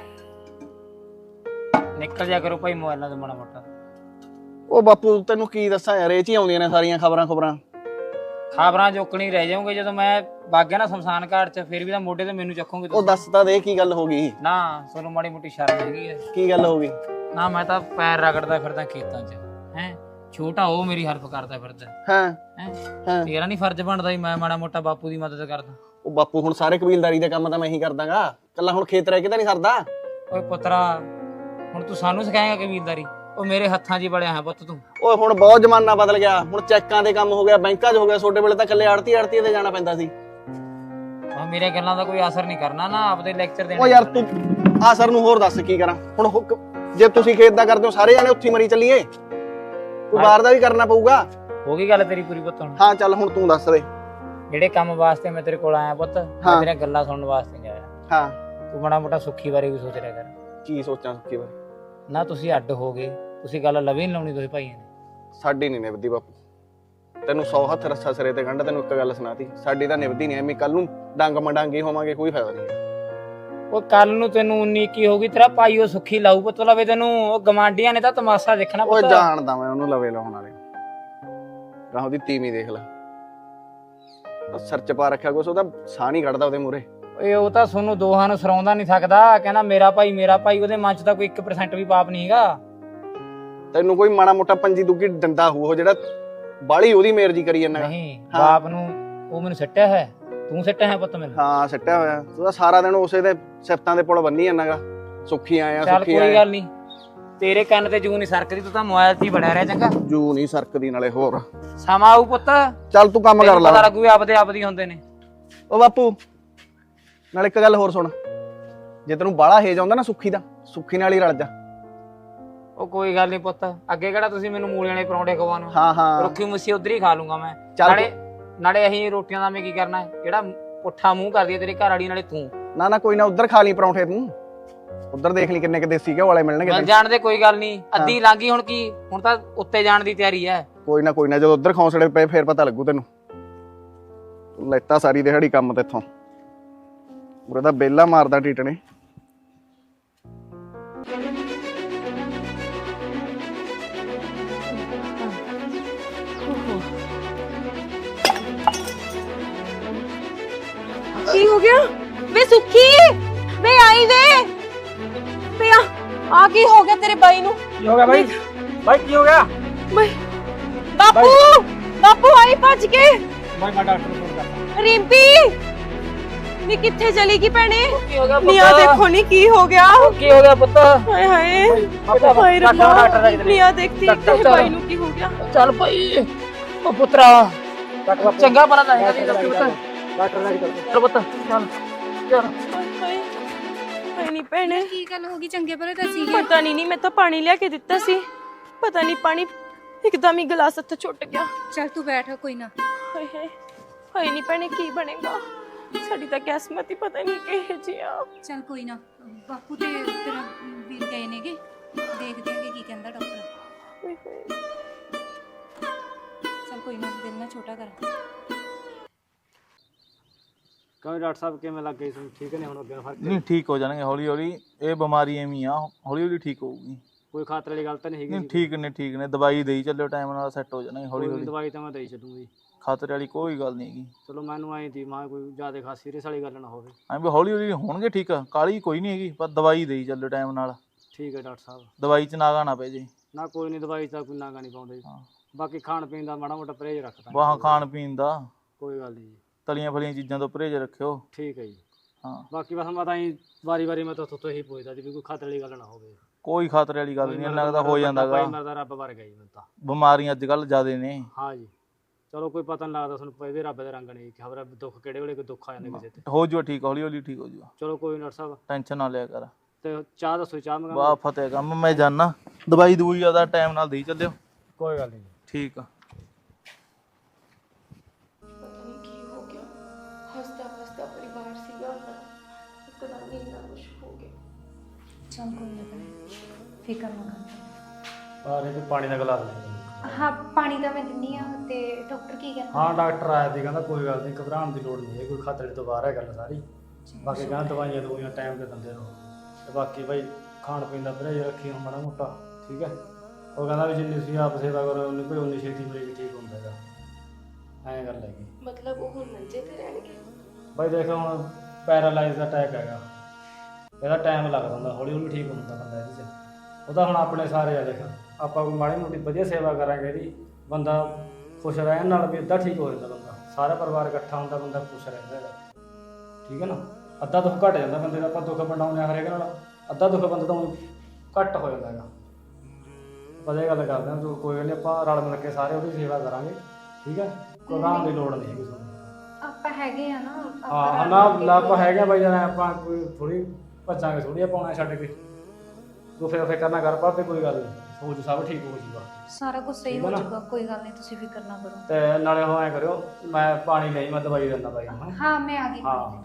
S5: ਨਿਕਲ ਜਾ ਕਰੋ ਭਾਈ ਮੋਬਾਈਲਾਂ ਤੋਂ ਮਾੜਾ ਮੋਟਾ।
S1: ਉਹ ਬਾਪੂ ਤੈਨੂੰ ਕੀ ਦੱਸਾਂ ਯਾਰ, ਇਹ ਚ ਹੀ ਆਉਂਦੀਆਂ ਨੇ ਸਾਰੀਆਂ ਖਬਰਾਂ ਖਬਰਾਂ।
S5: ਖਬਰਾਂ ਚੁੱਕਣੀ ਰਹਿ ਜਾਓਗੇ ਜਦੋਂ ਮੈਂ ਵਗ ਗਿਆ ਨਾ ਸ਼ਮਸ਼ਾਨ ਘਾਟ 'ਚ, ਫਿਰ ਵੀ ਤਾਂ ਮੋਢੇ ਤੇ ਮੈਨੂੰ ਚੱਕੋਗੇ
S1: ਉਹ ਦੱਸ ਤਾਂ ਦੇ ਕੀ ਗੱਲ ਹੋ ਗਈ?
S5: ਨਾ ਤੁਹਾਨੂੰ ਮਾੜੀ ਮੋਟੀ ਸ਼ਰਮ ਹੈਗੀ ਹੈ?
S1: ਕੀ ਗੱਲ ਹੋ ਗਈ?
S5: ਨਾ ਮੈਂ ਤਾਂ ਪੈਰ ਰਗੜਦਾ ਫਿਰਦਾ ਖੇਤਾਂ 'ਚ ਹੈ, ਛੋਟਾ ਉਹ ਮੇਰੀ ਹੈਲਪ ਕਰਦਾ ਫਿਰਦਾ
S1: ਹਾਂ
S5: ਹੈ।
S1: ਹਾਂ
S5: ਤੇਰਾ ਨਹੀਂ ਫਰਜ਼ ਬਣਦਾ ਵੀ ਮੈਂ ਮਾੜਾ ਮੋਟਾ ਬਾਪੂ ਦੀ ਮਦਦ ਕਰਦਾ?
S1: ਉਹ ਬਾਪੂ ਹੁਣ ਸਾਰੇ ਕਬੀਲਦਾਰੀ ਦੇ ਕੰਮ ਤਾਂ ਮੈਂ ਹੀ ਕਰਦਾਗਾ, ਕੱਲਾ ਹੁਣ ਖੇਤ ਰਹਿ ਕੇ ਤਾਂ ਨਹੀਂ ਸਰਦਾ।
S5: ਓਏ ਪੁੱਤਰਾ ਹੁਣ ਤੂੰ ਸਾਨੂੰ ਸਿਖਾਏਗਾ ਕਬੀਲਦਾਰੀ? ਉਹ ਮੇਰੇ ਹੱਥਾਂ 'ਚ ਹੀ ਬੜਿਆ ਹੈ ਪੁੱਤ ਤੂੰ।
S1: ਓਏ ਹੁਣ ਬਹੁਤ ਜ਼ਮਾਨਾ ਬਦਲ ਗਿਆ, ਹੁਣ ਚੈੱਕਾਂ ਦੇ ਕੰਮ ਹੋ ਗਿਆ, ਬੈਂਕਾਂ 'ਚ ਹੋ ਗਿਆ। ਛੋਟੇ ਵੇਲੇ ਤਾਂ ਇਕੱਲੇ ਆੜਤੀ ਆੜਤੀ ਤੇ ਜਾਣਾ ਪੈਂਦਾ ਸੀ।
S5: ਉਹ ਮੇਰੇ ਗੱਲਾਂ ਦਾ ਕੋਈ ਅਸਰ ਨਹੀਂ ਕਰਨਾ ਨਾ, ਆਪਦੇ ਲੈਕਚਰ ਦੇਣੇ।
S1: ਓ ਯਾਰ ਤੂੰ ਆ ਸਰ ਨੂੰ ਹੋਰ ਦੱਸ ਕੀ ਕਰਾਂ ਹੁਣ? ਹੁੱਕ- ਜੇ ਤੁਸੀਂ ਖੇਤ ਦਾ ਕਰਦੇ ਹੋ ਸਾਰੇ ਜਾਣੇ ਉੱਥੇ ਮਰੀ ਚੱਲੀਏ, ਕੋਈ ਬਾਹਰ ਦਾ ਵੀ ਕਰਨਾ ਪਊਗਾ।
S5: ਹੋ ਗਈ ਗੱਲ ਤੇਰੀ ਪੂਰੀ ਪੁੱਤ ਹੁਣ?
S1: ਹਾਂ ਚੱਲ ਹੁਣ ਤੂੰ ਦੱਸ ਦੇ।
S5: ਜਿਹੜੇ ਕੰਮ ਵਾਸਤੇ ਮੈਂ ਤੇਰੇ ਕੋਲ ਆਇਆ ਪੁੱਤ, ਮੈਂ ਤੇਰੀਆਂ ਗੱਲਾਂ ਸੁਣਨ ਵਾਸਤੇ ਨਹੀਂ ਆਇਆ।
S1: ਹਾਂ
S5: ਤੂੰ ਮਾੜਾ ਮੋਟਾ ਸੁੱਖੀ ਬਾਰੇ ਵੀ ਸੋਚ ਰਿਹਾ ਕਰ।
S1: ਕੀ ਸੋਚਾਂ ਸੁੱਕੀ ਬਾਰੇ?
S5: ਨਾ ਤੁਸੀਂ ਅੱਡ ਹੋ ਗਏ, ਤੁਸੀਂ ਗੱਲ ਲਵੀ ਨਹੀਂ ਲਾਉਣੀ ਦੋਵੇਂ ਭਾਈਆਂ ਨੇ।
S1: ਸਾਡੀ ਨਹੀਂ ਨਿਭਦੀ ਬਾਪੂ, ਤੈਨੂੰ ਸੌ ਹੱਥ ਰੱਸਾ ਸਿਰੇ ਤੇ ਗੰਢ, ਤੈਨੂੰ ਇੱਕ ਗੱਲ ਸੁਣਾਤੀ, ਸਾਡੀ ਤਾਂ ਨਿਭਦੀ ਨਹੀਂ। ਐਵੇਂ ਕੱਲ ਨੂੰ ਡੰਗ ਮੰਡਾਂਗੇ ਹੋਵਾਂਗੇ, ਕੋਈ ਫਾਇਦਾ ਨਹੀਂ।
S5: ਉਹ ਕੱਲ ਨੂੰ ਤੈਨੂੰ ਉਨੀ ਕੀ ਹੋਗੀ, ਤੇਰਾ ਭਾਈ ਉਹ ਸੁੱਖੀ ਲਾਊ ਪੁੱਤ ਲਵੇ ਤੈਨੂੰ। ਉਹ ਗਵਾਂਡੀਆਂ ਨੇ ਤਾਂ ਤਮਾਸ਼ਾ ਦੇਖਣਾ
S1: ਓਏ
S5: ਪੁੱਤ।
S1: ਜਾਣਦਾ ਮੈਂ ਉਹਨੂੰ ਲਵੇ ਲਾਉਣ ਵਾਲੇ, ਰਾਹ ਉਹਦੀ ਤੀਵੀਂ ਦੇਖ ਲੈ, ਸਿਰ ਚ ਪਾ ਰੱਖਿਆ ਕੁਛ, ਉਹਦਾ ਸਾਹ ਨਹੀਂ ਕੱਢਦਾ ਉਹਦੇ ਮੂਹਰੇ।
S5: ਓਏ ਉਹ ਤਾਂ ਤੁਹਾਨੂੰ ਦੋਹਾਂ ਨੂੰ ਸਰਾਉਂਦਾ ਨਹੀਂ ਸਕਦਾ, ਕਹਿੰਦਾ ਮੇਰਾ ਭਾਈ ਮੇਰਾ ਭਾਈ। ਉਹਦੇ ਮਨ ਚ ਤਾਂ ਕੋਈ ਇੱਕ ਪਰਸੈਂਟ ਵੀ ਪਾਪ ਨਹੀਂ ਹੈਗਾ।
S1: ਤੈਨੂੰ ਕੋਈ ਮਾੜਾ ਮੋਟਾ ਪੰਜੀ ਦੁੱਗੀ ਡੰਡਾ ਹੋਊ, ਉਹ ਜਿਹੜਾ ਬਾਲੀ ਉਹਦੀ ਮੇਰਜੀ ਕਰੀ ਜਾਂਦਾ।
S5: ਨਹੀਂ ਬਾਪ ਨੂੰ ਉਹ ਮੈਨੂੰ ਸੱਟਿਆ ਹੈ, ਤੂੰ ਸੱਟਿਆ ਹੈ ਪੁੱਤ ਮੈਨੂੰ।
S1: ਹਾਂ ਸੱਟਿਆ ਹੋਇਆ, ਤੂੰ ਤਾਂ ਸਾਰਾ ਦਿਨ ਉਸੇ ਦੇ ਸਿਫਤਾਂ ਦੇ ਪੁਲ ਬੰਨੀ ਜਾਂਦਾਗਾ, ਸੁੱਖੀ ਆਇਆ
S5: ਚੱਲ
S1: ਸੁੱਖੀ
S5: ਕੋਈ
S1: ਆਇਆ।
S5: ਗੱਲ ਨਹੀਂ, ਤੇਰੇ ਕੰਨ ਤੇ ਜੂ ਨਹੀਂ ਸਰਕਦੀ, ਤੂੰ ਤਾਂ ਮੋਬਾਈਲ 'ਚ ਹੀ ਬੜਿਆ ਰਿਹਾ। ਚੰਗਾ
S1: ਜੂ ਨਹੀਂ ਸਰਕਦੀ, ਨਾਲੇ ਹੋਰ
S5: ਸਮਾਂ ਆਊ ਪੁੱਤ,
S1: ਚੱਲ ਤੂੰ ਕੰਮ ਕਰ
S5: ਤੈਨੂੰ ਪਤਾ
S1: ਲਾ।
S5: ਲੱਗੂ ਵੀ ਆਪਦੇ ਆਪ ਦੀ ਹੁੰਦੇ ਨੇ।
S1: ਓ ਬਾਪੂ ਨਾਲ ਇੱਕ ਗੱਲ ਹੋਰ ਸੁਣ, ਜੇ ਤੈਨੂੰ ਬਾਹਲਾ ਹੇਜ ਆਉਂਦਾ ਨਾ ਸੁੱਖੀ ਦਾ, ਸੁੱਖੀ ਨਾਲ ਹੀ ਰਲ ਜਾ।
S5: ਉਹ ਕੋਈ ਗੱਲ ਨਹੀਂ ਪੁੱਤ, ਅੱਗੇ ਕਿਹੜਾ ਤੁਸੀਂ ਮੈਨੂੰ ਮੂਲੀਆਂ ਵਾਲੇ ਪਰੌਂਠੇ ਖਵਾਉਣ?
S1: ਹਾਂ ਹਾਂ
S5: ਰੁੱਖੀ ਮੁੱਸੀ ਉਧਰ ਹੀ ਖਾ ਲੂੰਗਾ ਮੈਂ।
S1: ਚੱਲ
S5: ਨਾਲੇ ਨਾਲੇ ਅਸੀਂ ਰੋਟੀਆਂ ਦਾ ਮੈਂ ਕੀ ਕਰਨਾ ਹੈ? ਜਿਹੜਾ ਪੁੱਠਾ ਮੂੰਹ ਕਰਦੀ ਹੈ ਤੇਰੀ ਘਰ ਵਾਲੀ, ਨਾਲੇ ਤੂੰ।
S1: ਨਾ ਨਾ ਕੋਈ ਨਾ, ਉਧਰ ਖਾ ਲਈ ਪਰੌਂਠੇ, ਤੂੰ ਉਧਰ ਦੇਖ ਲਈ ਕਿੰਨੇ ਕਿ ਦੇਸੀ ਘਿਓ ਵਾਲੇ ਮਿਲਣਗੇ
S5: ਮਿਲ
S1: ਤੈਨੂੰ।
S5: ਜਾਣ ਦੇ ਕੋਈ ਗੱਲ ਨਹੀਂ, ਅੱਧੀ ਲਾਂਗੀ ਹੁਣ ਕੀ, ਹੁਣ ਤਾਂ ਉੱਤੇ ਜਾਣ ਦੀ ਤਿਆਰੀ ਹੈ।
S1: ਕੋਈ ਨਾ ਕੋਈ ਨਾ, ਜਦੋਂ ਉਧਰ ਖੌਂਸੜੇ ਪਏ ਫੇਰ ਪਤਾ ਲੱਗੂ ਤੈਨੂੰ। ਤੂੰ ਲੈਤਾ ਸਾਰੀ ਦਿਹਾੜੀ ਕੰਮ ਤੇ ਇੱਥੋਂ, ਉਰੇ ਤਾਂ ਬੇਲਾ ਮਾਰਦਾ ਟੀਟਣੇ।
S2: ਕੀ ਹੋ ਗਿਆ ਵੇ ਸੁੱਖੀ? ਵੇ ਆਈ ਵੇ ਵੇ ਆ ਆ ਕੀ ਹੋ ਗਿਆ ਤੇਰੇ ਬਾਈ ਨੂੰ?
S3: ਕੀ ਹੋ ਗਿਆ ਬਾਈ? ਬਾਈ ਕੀ ਹੋ ਗਿਆ?
S2: ਬਾਈ ਬਾਪੂ ਬਾਪੂ ਆਈ ਭੱਜ ਕੇ।
S3: ਬਾਈ ਮੈਂ ਡਾਕਟਰ ਨੂੰ ਫੋਨ ਕਰਦਾ।
S2: ਰਿੰਪੀ ਨੀ ਕਿੱਥੇ ਚਲੀ ਗਈ ਭੈਣੇ?
S5: ਕੀ ਹੋ ਗਿਆ
S2: ਨੀ ਆ ਦੇਖੋ ਨੀ ਕੀ ਹੋ ਗਿਆ।
S5: ਕੀ ਹੋ ਗਿਆ ਪੁੱਤ?
S2: ਹਾਏ ਹਾਏ
S5: ਬਾਪੂ
S2: ਹਾਏ ਰੱਬਾ,
S5: ਡਾਕਟਰ ਦਾ
S2: ਨੀ ਆ ਦੇਖਤੀ ਤੇਰੇ ਬਾਈ ਨੂੰ ਕੀ ਹੋ ਗਿਆ।
S5: ਚੱਲ ਭਾਈ ਉਹ ਪੁੱਤਰਾ ਚੰਗਾ ਭਲਾ ਤਾਂ ਹੈਗਾ ਸੀ ਪੁੱਤ।
S3: ਡਾਕਟਰ ਨਾਲ ਗੱਲ
S5: ਚੱਲ ਪੁੱਤ ਚੱਲ ਚੱਲ।
S2: ਹਾਏ ਹਾਏ ਨੀ ਭੈਣੇ,
S4: ਕੀ ਗੱਲ ਹੋ ਗਈ? ਚੰਗੇ ਭਲੇ ਤਾਂ ਸੀ।
S2: ਪਤਾ ਨਹੀਂ ਨੀ ਮੈਂ ਤਾਂ ਪਾਣੀ ਲਿਆ ਕੇ ਦਿੱਤਾ ਸੀ, ਪਤਾ ਨਹੀਂ ਪਾਣੀ ਇੱਕਦਮ ਹੀ ਗਲਾਸ ਹੱਥੋਂ ਛੁੱਟ ਗਿਆ।
S4: ਚੱਲ ਤੂੰ ਬੈਠ, ਕੋਈ ਨਾ।
S2: ਹਾਏ ਹਾਏ ਹਾਏ ਨੀ ਭੈਣੇ ਕੀ ਬਣੇਗਾ? ਸਾਡੀ ਤਾਂ ਕਿਸਮਤ ਹੀ ਪਤਾ ਨਹੀਂ ਕਿਹੋ ਜਿਹੀ ਆ।
S4: ਚੱਲ ਕੋਈ ਨਾ, ਬਾਪੂ ਤੇ ਤੇਰਾ ਵੀਰ ਗਏ ਨੇਗੇ, ਦੇਖਦੇ ਆਂਗੇ ਕੀ ਕਹਿੰਦਾ ਡਾਕਟਰ।
S2: ਹਾਏ ਹਾਏ
S4: ਚੱਲ ਕੋਈ ਨਾ, ਦਿਲ ਨਾ ਛੋਟਾ ਕਰ।
S3: ਕਹੋ ਡਾਕਟਰ ਸਾਹਿਬ ਕਿਵੇਂ ਲੱਗ ਗਈ? ਠੀਕ ਨੇ ਹੁਣ? ਅੱਗੇ ਫਰਕ
S7: ਨਹੀਂ ਠੀਕ ਹੋ ਜਾਣਗੇ ਹੌਲੀ ਹੌਲੀ, ਇਹ ਬਿਮਾਰੀ ਐਵੇਂ ਹੀ ਆ, ਹੌਲੀ ਹੌਲੀ ਠੀਕ ਹੋਊਗੀ।
S3: ਕੋਈ ਖਾਤਰ ਵਾਲੀ ਗੱਲ ਤਾਂ ਨਹੀਂ
S7: ਨਹੀਂ
S3: ਹੈਗੀ?
S7: ਠੀਕ ਨੇ ਠੀਕ ਨੇ, ਦਵਾਈ ਦੇਈ ਚੱਲਿਓ, ਟਾਈਮ ਨਾਲ ਸੈੱਟ ਹੋ ਜਾਣਗੇ ਹੌਲੀ ਹੌਲੀ।
S3: ਦਵਾਈ ਤਾਂ ਮੈਂ ਦੇਈ ਛੱਡੂਗੀ,
S7: ਖਾਤਰ ਵਾਲੀ ਕੋਈ ਗੱਲ ਨਹੀਂ ਹੈਗੀ।
S3: ਚਲੋ ਮੈਨੂੰ ਆਈ ਦੀ ਮਾਂ ਕੋਈ ਜ਼ਿਆਦਾ ਖਾਸ ਸੀਰੀਅਸ ਵਾਲੀ ਗੱਲ ਨਾ ਹੋਵੇ।
S7: ਐਂ ਵੀ ਹੌਲੀ ਹੌਲੀ ਹੋਣਗੇ ਠੀਕ, ਕਾਲੀ ਕੋਈ ਨਹੀਂ ਹੈਗੀ, ਪਰ ਦਵਾਈ ਦੇਈ ਚੱਲਿਓ ਟਾਈਮ ਨਾਲ।
S3: ਠੀਕ ਹੈ ਡਾਕਟਰ ਸਾਹਿਬ।
S7: ਦਵਾਈ 'ਚ ਨਾਗਾ ਨਾ ਪੈ ਜੇ।
S3: ਨਾ ਕੋਈ ਨਹੀਂ, ਦਵਾਈ ਤਾਂ ਕੋਈ ਨਾਗਾ ਨਹੀਂ ਪਾਉਂਦੇ।
S7: ਹਾਂ।
S3: ਬਾਕੀ ਖਾਣ ਪੀਣ ਦਾ ਮਾੜਾ ਮੋਟਾ ਪਰਹੇਜ਼ ਰੱਖਦਾ।
S7: ਵਾਹ ਖਾਣ ਪੀਣ ਦਾ,
S3: ਕੋਈ ਗੱਲ ਨਹੀਂ ਜੀ।
S7: ਤਲੀਆਂ ਫਲੀਆਂ ਚੀਜ਼ਾਂ ਤੋਂ ਪਰਹੇਜ਼ ਰੱਖਿਓ।
S3: ਠੀਕ ਹੈ ਜੀ।
S7: ਹਾਂ
S3: ਬਾਕੀ ਬਸ ਮੈਂ ਤਾਂ ਹੀ ਵਾਰੀ ਵਾਰੀ ਮੈਂ ਤਾਂ ਤੋਂ ਹੀ ਪੁੱਛਦਾ ਜੀ ਵੀ ਕੋਈ ਖਾਤਰ ਵਾਲੀ ਗੱਲ ਨਾ ਹੋਵੇ।
S7: ਕੋਈ ਖਾਤਰ ਵਾਲੀ ਗੱਲ ਨਹੀਂ, ਇੰਨਾ ਕੁ ਤਾਂ ਹੋ ਜਾਂਦਾ ਗਾ।
S3: ਭਾਈ ਮਰਦਾ ਰੱਬ ਵਰ ਗਿਆ ਜੀ ਮੈਨੂੰ ਤਾਂ।
S7: ਬਿਮਾਰੀਆਂ ਅੱਜ ਕੱਲ੍ਹ ਜ਼ਿਆਦੇ ਨੇ।
S3: ਹਾਂ ਜੀ ਚਲੋ ਕੋਈ ਪਤਾ ਨਹੀਂ ਲੱਗਦਾ ਤੁਹਾਨੂੰ, ਪਏ ਵੀ ਰੱਬ ਦੇ ਰੰਗ ਨੇ, ਖਬਰ ਦੁੱਖ ਕਿਹੜੇ ਵੇਲੇ ਕੋਈ ਦੁੱਖ ਆ ਜਾਂਦਾ ਕਿਸੇ ਤੇ।
S7: ਹੋ ਜੂਆ ਠੀਕ, ਹੌਲੀ ਹੌਲੀ ਠੀਕ ਹੋ ਜੂਆ,
S3: ਚਲੋ ਕੋਈ ਡਾਕਟਰ ਸਾਹਿਬ,
S7: ਟੈਨਸ਼ਨ ਨਾ ਲਿਆ ਕਰ।
S3: ਤੇ ਚਾਹ ਦੱਸੋ, ਚਾਹ ਮੰਗਾ?
S7: ਵਾਹ ਫਤਿਹ ਕੰਮ, ਮੈਂ ਜਾਣਾ, ਦਵਾਈ ਦਵਾਈ ਜ਼ਿਆਦਾ ਟਾਈਮ ਨਾਲ ਦੇਈ ਚੱਲਿਓ।
S3: ਕੋਈ ਗੱਲ ਨਹੀਂ।
S7: ਠੀਕ ਆ।
S2: ਪਤਾ ਨਹੀਂ ਕੀ ਹੋ ਗਿਆ, ਹੱਸਦਾ ਹੱਸਦਾ ਪਰਿਵਾਰ ਸੀਗਾ ਆਪਣਾ, ਇੱਕਦਮ ਹੀ ਇੰਨਾ ਕੁਛ ਹੋ ਗਿਆ।
S4: ਚੱਲ ਕੋਈ ਨਾ ਭੈਣੇ, ਫਿਕਰ ਨਾ ਕਰ।
S3: ਆ ਰੇ ਪਾਣੀ ਦਾ ਗਲਾਸ ਲੈ।
S4: ਹਾਂ ਪਾਣੀ ਤਾਂ ਮੈਂ ਦਿੰਨੀ ਆ। ਤੇ ਡਾਕਟਰ ਕੀ ਕਹਿੰਦਾ?
S3: ਹਾਂ ਡਾਕਟਰ ਆਇਆ ਸੀ, ਕਹਿੰਦਾ ਕੋਈ ਗੱਲ ਨਹੀਂ, ਘਬਰਾਉਣ ਦੀ ਲੋੜ ਨਹੀਂ ਹੈ, ਕੋਈ ਖਤਰੇ ਤੋਂ ਬਾਹਰ ਹੈ ਗੱਲ ਸਾਰੀ। ਬਾਕੀ ਕਹਿੰਦਾ ਦਵਾਈਆਂ ਦਵਾਈਆਂ ਟਾਈਮ ਤੇ ਦਿੰਦੇ ਰਹੋ ਤੇ ਬਾਕੀ ਭਾਈ ਖਾਣ ਪੀਣ ਦਾ ਪਰਹੇਜ਼ ਰੱਖੀ ਮਾੜਾ ਮੋਟਾ, ਠੀਕ ਹੈ। ਉਹ ਕਹਿੰਦਾ ਵੀ ਜਿੰਨੀ ਤੁਸੀਂ ਆਪ ਸੇਵਾ ਕਰੋ ਉਨੀ ਕੋਈ ਉਨੀ ਛੇਤੀ ਮਰੀਜ਼ ਠੀਕ ਹੁੰਦਾ ਹੈਗਾ, ਐਂ ਗੱਲ ਹੈਗੀ।
S2: ਮਤਲਬ ਉਹ ਹੁਣ ਮੰਜੇ ਤੇ ਰਹਿਣਗੇ?
S3: ਭਾਈ ਦੇਖੋ ਹੁਣ ਪੈਰਾਲਾਈਜ਼ ਦਾ ਅਟੈਕ ਹੈਗਾ, ਇਹਦਾ ਟਾਈਮ ਲੱਗਦਾ ਹੁੰਦਾ, ਹੌਲੀ ਹੌਲੀ ਠੀਕ ਹੁੰਦਾ ਬੰਦਾ ਇਹਦੇ 'ਚ। ਉਹਦਾ ਹੁਣ ਆਪਣੇ ਸਾਰੇ ਆ, ਦੇਖ ਆਪਾਂ ਕੋਈ ਮਾੜੀ ਮੋਟੀ ਵਧੀਆ ਸੇਵਾ ਕਰਾਂਗੇ ਇਹਦੀ, ਬੰਦਾ ਖੁਸ਼ ਰਹਿਣ ਨਾਲ ਵੀ ਅੱਧਾ ਠੀਕ ਹੋ ਜਾਂਦਾ ਬੰਦਾ, ਸਾਰਾ ਪਰਿਵਾਰ ਇਕੱਠਾ ਹੁੰਦਾ, ਬੰਦਾ ਖੁਸ਼ ਰਹਿੰਦਾ ਹੈਗਾ, ਠੀਕ ਹੈ ਨਾ। ਅੱਧਾ ਦੁੱਖ ਘਟ ਜਾਂਦਾ ਬੰਦੇ ਦਾ, ਆਪਾਂ ਦੁੱਖ ਵੰਡਾਉਂਦੇ ਹਾਂ ਹਰੇਕ ਨਾਲ, ਅੱਧਾ ਦੁੱਖ ਬੰਦੇ ਤੋਂ ਘੱਟ ਹੋ ਜਾਂਦਾ ਹੈਗਾ। ਆਪਾਂ ਇਹ ਗੱਲ ਕਰਦੇ ਹਾਂ, ਤੂੰ ਕੋਈ ਗੱਲ ਨਹੀਂ, ਆਪਾਂ ਰਲ ਮਿਲ ਕੇ ਸਾਰੇ ਉਹਦੀ ਸੇਵਾ ਕਰਾਂਗੇ, ਠੀਕ ਹੈ। ਘਬਰਾਉਣ ਦੀ ਲੋੜ ਨਹੀਂ ਹੈਗੀ ਤੁਹਾਨੂੰ।
S4: ਆਪਾਂ ਹੈਗੇ ਆ ਨਾ,
S3: ਹਾਂ ਨਾ ਆਪਾਂ ਹੈਗੇ ਬਾਈ ਜਾਨ, ਆਪਾਂ ਕੋਈ ਥੋੜੀ ਭੱਜਾਂਗੇ ਥੋੜੀ ਪਾਉਣਾ ਛੱਡ ਕੇ, ਤੂੰ ਫਿਰ ਫਿਕਰ ਨਾ ਕਰ ਭਾਵੇਂ, ਕੋਈ ਗੱਲ ਨਹੀਂ, ਸੋਚ ਸਭ ਠੀਕ ਹੋ ਜੂਗਾ,
S4: ਸਾਰਾ ਕੁਝ ਸਹੀ ਹੋ ਜਾਊਗਾ, ਕੋਈ ਗੱਲ ਨਹੀਂ, ਤੁਸੀਂ ਫਿਕਰ ਨਾ ਕਰੋ।
S3: ਤੇ ਨਾਲੇ ਉਹ ਐਂ ਕਰਿਓ, ਮੈਂ ਪਾਣੀ ਨਹੀਂ, ਮੈਂ ਦਵਾਈ ਦਿੰਦਾ ਬਾਈ ਨੂੰ।
S4: ਹਾਂ ਮੈਂ ਆ ਗਈ।
S3: ਹਾਂ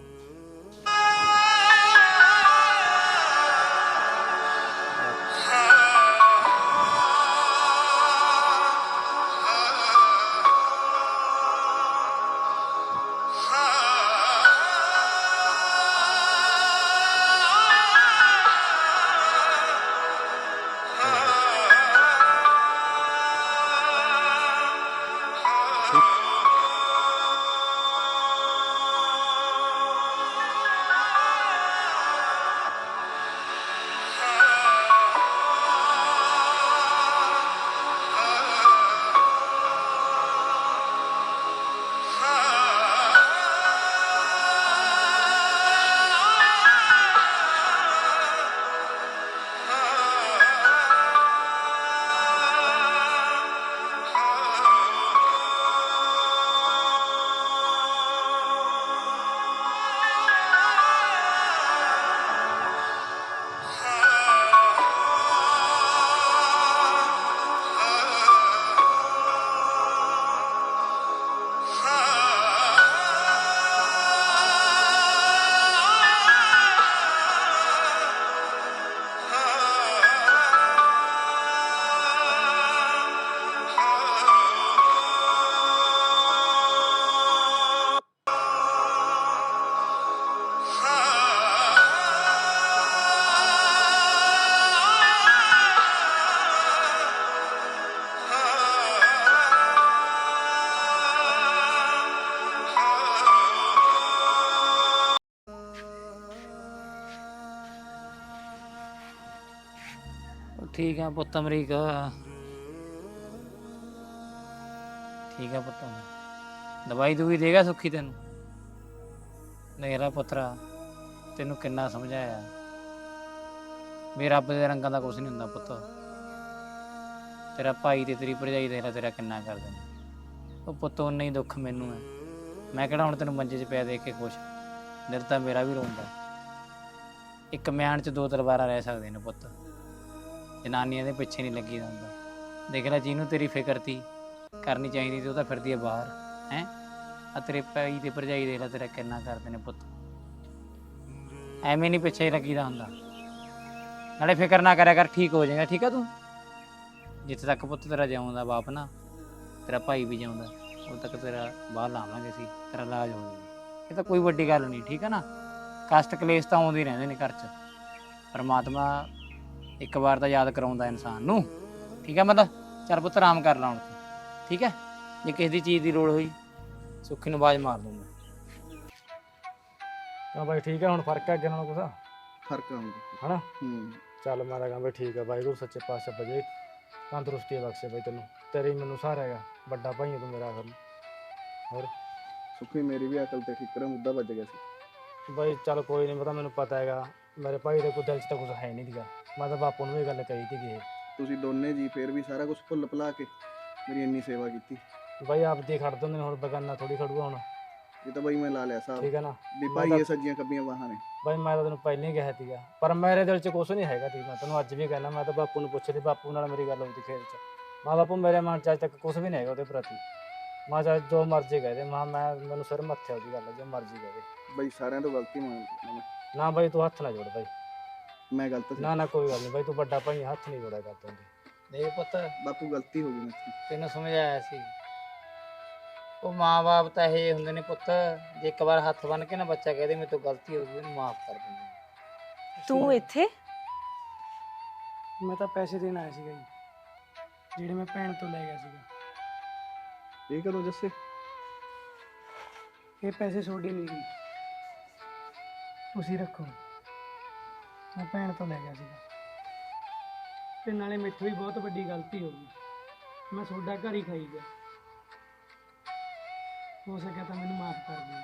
S3: ਠੀਕ ਆ ਪੁੱਤ ਅਮਰੀਕ, ਠੀਕ ਆ ਪੁੱਤ, ਦਵਾਈ ਦੂਈ ਦੇਗਾ ਸੁੱਖੀ ਤੈਨੂੰ? ਮੇਰਾ ਪੁੱਤਰਾ ਤੈਨੂੰ ਕਿੰਨਾ ਸਮਝਾਇਆ ਵੀ ਰੱਬ ਦੇ ਰੰਗਾਂ ਦਾ ਕੁਛ ਨਹੀਂ ਹੁੰਦਾ ਪੁੱਤ। ਤੇਰਾ ਭਾਈ ਤੇ ਤੇਰੀ ਭਰਜਾਈ ਦੇਖ ਲੈ ਤੇਰਾ ਕਿੰਨਾ ਕਰਦੇ ਨੇ। ਉਹ ਪੁੱਤ ਉਨਾ ਹੀ ਦੁੱਖ ਮੈਨੂੰ ਹੈ, ਮੈਂ ਕਿਹੜਾ ਹੁਣ ਤੈਨੂੰ ਮੰਜੇ 'ਚ ਪਿਆ ਦੇਖ ਕੇ ਖੁਸ਼, ਦਿਲ ਤਾਂ ਮੇਰਾ ਵੀ ਰੋਂਦਾ। ਇੱਕ ਮਿਆਨ 'ਚ ਦੋ ਤਲਵਾਰਾਂ ਰਹਿ ਸਕਦੇ ਨੇ ਪੁੱਤ, ਜਨਾਨੀਆਂ ਦੇ ਪਿੱਛੇ ਨਹੀਂ ਲੱਗੀ ਦਾ ਹੁੰਦਾ। ਦੇਖ ਲੈ ਜਿਹਨੂੰ ਤੇਰੀ ਫਿਕਰ ਤੀ ਕਰਨੀ ਚਾਹੀਦੀ ਤੇ ਉਹ ਤਾਂ ਫਿਰਦੀ ਹੈ ਬਾਹਰ, ਹੈਂ। ਆ ਤੇਰੇ ਭਾਈ ਤੇ ਭਰਜਾਈ ਦੇਖ ਲੈ ਤੇਰਾ ਕਿੰਨਾ ਕਰਦੇ ਨੇ ਪੁੱਤ, ਐਵੇਂ ਨਹੀਂ ਪਿੱਛੇ ਲੱਗੀ ਦਾ ਹੁੰਦਾ। ਨਾਲੇ ਫਿਕਰ ਨਾ ਕਰਿਆ ਕਰ, ਠੀਕ ਹੋ ਜਾਏਗਾ, ਠੀਕ ਆ ਤੂੰ। ਜਿੱਥੇ ਤੱਕ ਪੁੱਤ ਤੇਰਾ ਜਿਉਂਦਾ ਬਾਪ ਨਾ, ਤੇਰਾ ਭਾਈ ਵੀ ਜਿਉਂਦਾ, ਉਦੋਂ ਤੱਕ ਤੇਰਾ ਬਾਹਰ ਲਾਵਾਂਗੇ ਅਸੀਂ, ਤੇਰਾ ਇਲਾਜ ਹੋ ਜਾਊਗਾ। ਇਹ ਤਾਂ ਕੋਈ ਵੱਡੀ ਗੱਲ ਨਹੀਂ, ਠੀਕ ਆ ਨਾ। ਕਸ਼ਟ ਕਲੇਸ਼ ਤਾਂ ਆਉਂਦੇ ਹੀ ਰਹਿੰਦੇ ਨੇ ਘਰ 'ਚ, ਪਰਮਾਤਮਾ ਇੱਕ ਵਾਰ ਤਾਂ ਯਾਦ ਕਰਾਉਂਦਾ ਇਨਸਾਨ ਨੂੰ, ਠੀਕ ਹੈ। ਮਤਲਬ ਚੱਲ ਪੁੱਤ ਆਰਾਮ ਕਰ ਲਾ ਹੁਣ ਤੂੰ, ਠੀਕ ਹੈ। ਜੇ ਕਿਸੇ ਦੀ ਚੀਜ਼ ਦੀ ਲੋੜ ਹੋਈ ਸੁੱਖੀ ਨੂੰ ਆਵਾਜ਼ ਮਾਰ ਦੂੰਗਾ। ਹਾਂ ਬਾਈ ਠੀਕ ਹੈ, ਹੁਣ ਫਰਕ ਹੈ ਅੱਗੇ ਨਾਲੋਂ ਕੁਛ?
S1: ਫਰਕ ਆਉਂਦਾ
S3: ਹਨਾ।
S1: ਹੂੰ
S3: ਚੱਲ ਮੈਂ ਤਾਂ ਕਹਾਂ ਬਈ ਠੀਕ ਹੈ, ਵਾਹਿਗੁਰੂ ਸੱਚੇ ਪਾਤਸ਼ਾਹ ਬਜੇ ਤੰਦਰੁਸਤੀ ਬਖਸ਼ੇ ਬਈ ਤੈਨੂੰ, ਤੇਰੇ ਹੀ ਮੈਨੂੰ ਸਹਾਰਾ ਹੈਗਾ, ਵੱਡਾ ਭਾਈ ਹੈ ਤੂੰ ਮੇਰਾ। ਆਖਰ ਹੋਰ
S1: ਸੁੱਖੀ ਮੇਰੀ ਵੀ ਅਕਲ ਤੇ ਠਿਕਰਾ ਮੁੱਦਾ ਵੱਜ ਗਿਆ ਸੀ
S3: ਬਾਈ। ਚੱਲ ਕੋਈ ਨਹੀਂ, ਪਤਾ ਮੈਨੂੰ ਪਤਾ ਹੈਗਾ ਮੇਰੇ ਭਾਈ ਦੇ ਕੋਈ ਦਿਲ 'ਚ ਤਾਂ ਕੁਛ ਹੈ ਨਹੀਂ ਸੀਗਾ, ਮੈਂ ਤਾਂ ਬਾਪੂ ਨੂੰ ਇਹ ਗੱਲ ਕਹੀ ਸੀਗੀ। ਇਹ
S1: ਤੁਸੀਂ ਦੋਨੇ ਜੀ ਫੇਰ ਵੀ ਸਾਰਾ ਕੁਝ ਭੁੱਲ ਭੁਲਾ ਕੇ ਮੇਰੀ ਇੰਨੀ ਸੇਵਾ ਕੀਤੀ
S3: ਬਾਈ ਆਪਦੀ ਖੜ ਦਿੰਦੇ ਨੇ, ਹੁਣ ਬਗਾਨਾ ਥੋੜੀ ਖੜੂਗਾ ਹੁਣ,
S1: ਇਹ ਤਾਂ ਬਾਈ ਮੈਂ ਲਾ ਲਿਆ ਸਾਹਿਬ,
S3: ਠੀਕ ਹੈ ਨਾ।
S1: ਵੀ ਭਾਈ ਇਹ ਸੱਜੀਆਂ ਕੱਬੀਆਂ ਬਾਹਾਂ ਨੇ।
S3: ਬਾਈ ਮੈਂ ਤਾਂ ਤੈਨੂੰ ਪਹਿਲਾਂ ਹੀ ਕਿਹਾ ਸੀਗਾ, ਪਰ ਮੇਰੇ ਦਿਲ 'ਚ ਕੁਛ ਨਹੀਂ ਹੈਗਾ ਸੀ। ਮੈਂ ਤੈਨੂੰ ਅੱਜ ਵੀ ਕਹਿਣਾ, ਮੈਂ ਤਾਂ ਬਾਪੂ ਨੂੰ ਪੁੱਛ ਲਈ, ਬਾਪੂ ਨਾਲ ਮੇਰੀ ਗੱਲ ਹੁੰਦੀ ਖੇਤ 'ਚ, ਮਾਂ ਬਾਪੂ ਮੇਰੇ ਮਨ 'ਚ ਅੱਜ ਤੱਕ ਕੁਛ ਵੀ ਨਹੀਂ ਹੈਗਾ ਉਹਦੇ ਪ੍ਰਤੀ। ਮਾਂ ਚਾਹੇ ਜੋ ਮਰਜ਼ੀ ਕਹਿ ਦੇ, ਮਾਂ ਮੈਂ ਮੈਨੂੰ ਸਿਰ ਮੱਥੇ ਉਹਦੀ ਗੱਲ, ਜੋ ਮਰਜ਼ੀ ਕਹਿ ਦੇ।
S1: ਬਾਈ ਸਾਰਿਆਂ ਤੋਂ ਗਲਤੀ ਮੰਨ
S3: ਨਾ ਬਾਈ ਤੂੰ ਹੱਥ ਨਾ ਜੋੜ ਬਾਈ,
S1: ਮੈਂ ਗਲਤ ਸੀ।
S3: ਨਾ ਨਾ ਕੋਈ ਗੱਲ ਨਹੀਂ ਬਾਈ, ਤੂੰ ਵੱਡਾ ਭਾਈ, ਹੱਥ ਨਹੀਂ ਜੋੜਿਆ ਕਰਦਾ ਹੁੰਦੀ। ਦੇਖ ਪੁੱਤ
S1: ਬਾਪੂ ਗਲਤੀ ਹੋ ਗਈ ਮੇਰੇ ਤੋਂ।
S3: ਤੈਨੂੰ ਸਮਝਾਇਆ ਸੀ,
S5: ਉਹ ਮਾਂ-ਬਾਪ ਤਾਂ ਇਹ ਹੁੰਦੇ ਨੇ ਪੁੱਤ, ਜੇ ਇੱਕ ਵਾਰ ਹੱਥ ਬੰਨ ਕੇ ਨਾ ਬੱਚਾ ਕਹਦੇ ਮੇਰੇ ਤੋਂ ਗਲਤੀ ਹੋ ਗਈ ਉਹਨੂੰ ਮਾਫ ਕਰ ਦਿੰਦੇ ਨੇ।
S2: ਤੂੰ ਇੱਥੇ
S6: ਮੈਂ ਤਾਂ ਪੈਸੇ ਦੇਣ ਆਇਆ ਸੀਗਾ ਜੀ, ਜਿਹੜੇ ਮੈਂ ਭੈਣ ਤੋਂ ਲੈ ਗਿਆ ਸੀਗਾ।
S1: ਇਹ ਕਦੋਂ ਜੱਸੇ?
S6: ਇਹ ਪੈਸੇ ਤੁਹਾਡੇ ਨਹੀਂ ਗਏ, ਤੁਸੀਂ ਰੱਖੋ। ਮੈਂ ਭੈਣ ਤੋਂ ਲੈ ਗਿਆ ਸੀਗਾ, ਤੇ ਨਾਲੇ ਮੈਥੋਂ ਵੀ ਬਹੁਤ ਵੱਡੀ ਗਲਤੀ ਹੋ ਗਈ, ਮੈਂ ਤੁਹਾਡਾ ਘਰ ਹੀ ਖਾਈ ਗਿਆ। ਹੋ ਸਕਿਆ ਤਾਂ ਮੈਨੂੰ ਮਾਫ ਕਰ ਦਿਓ।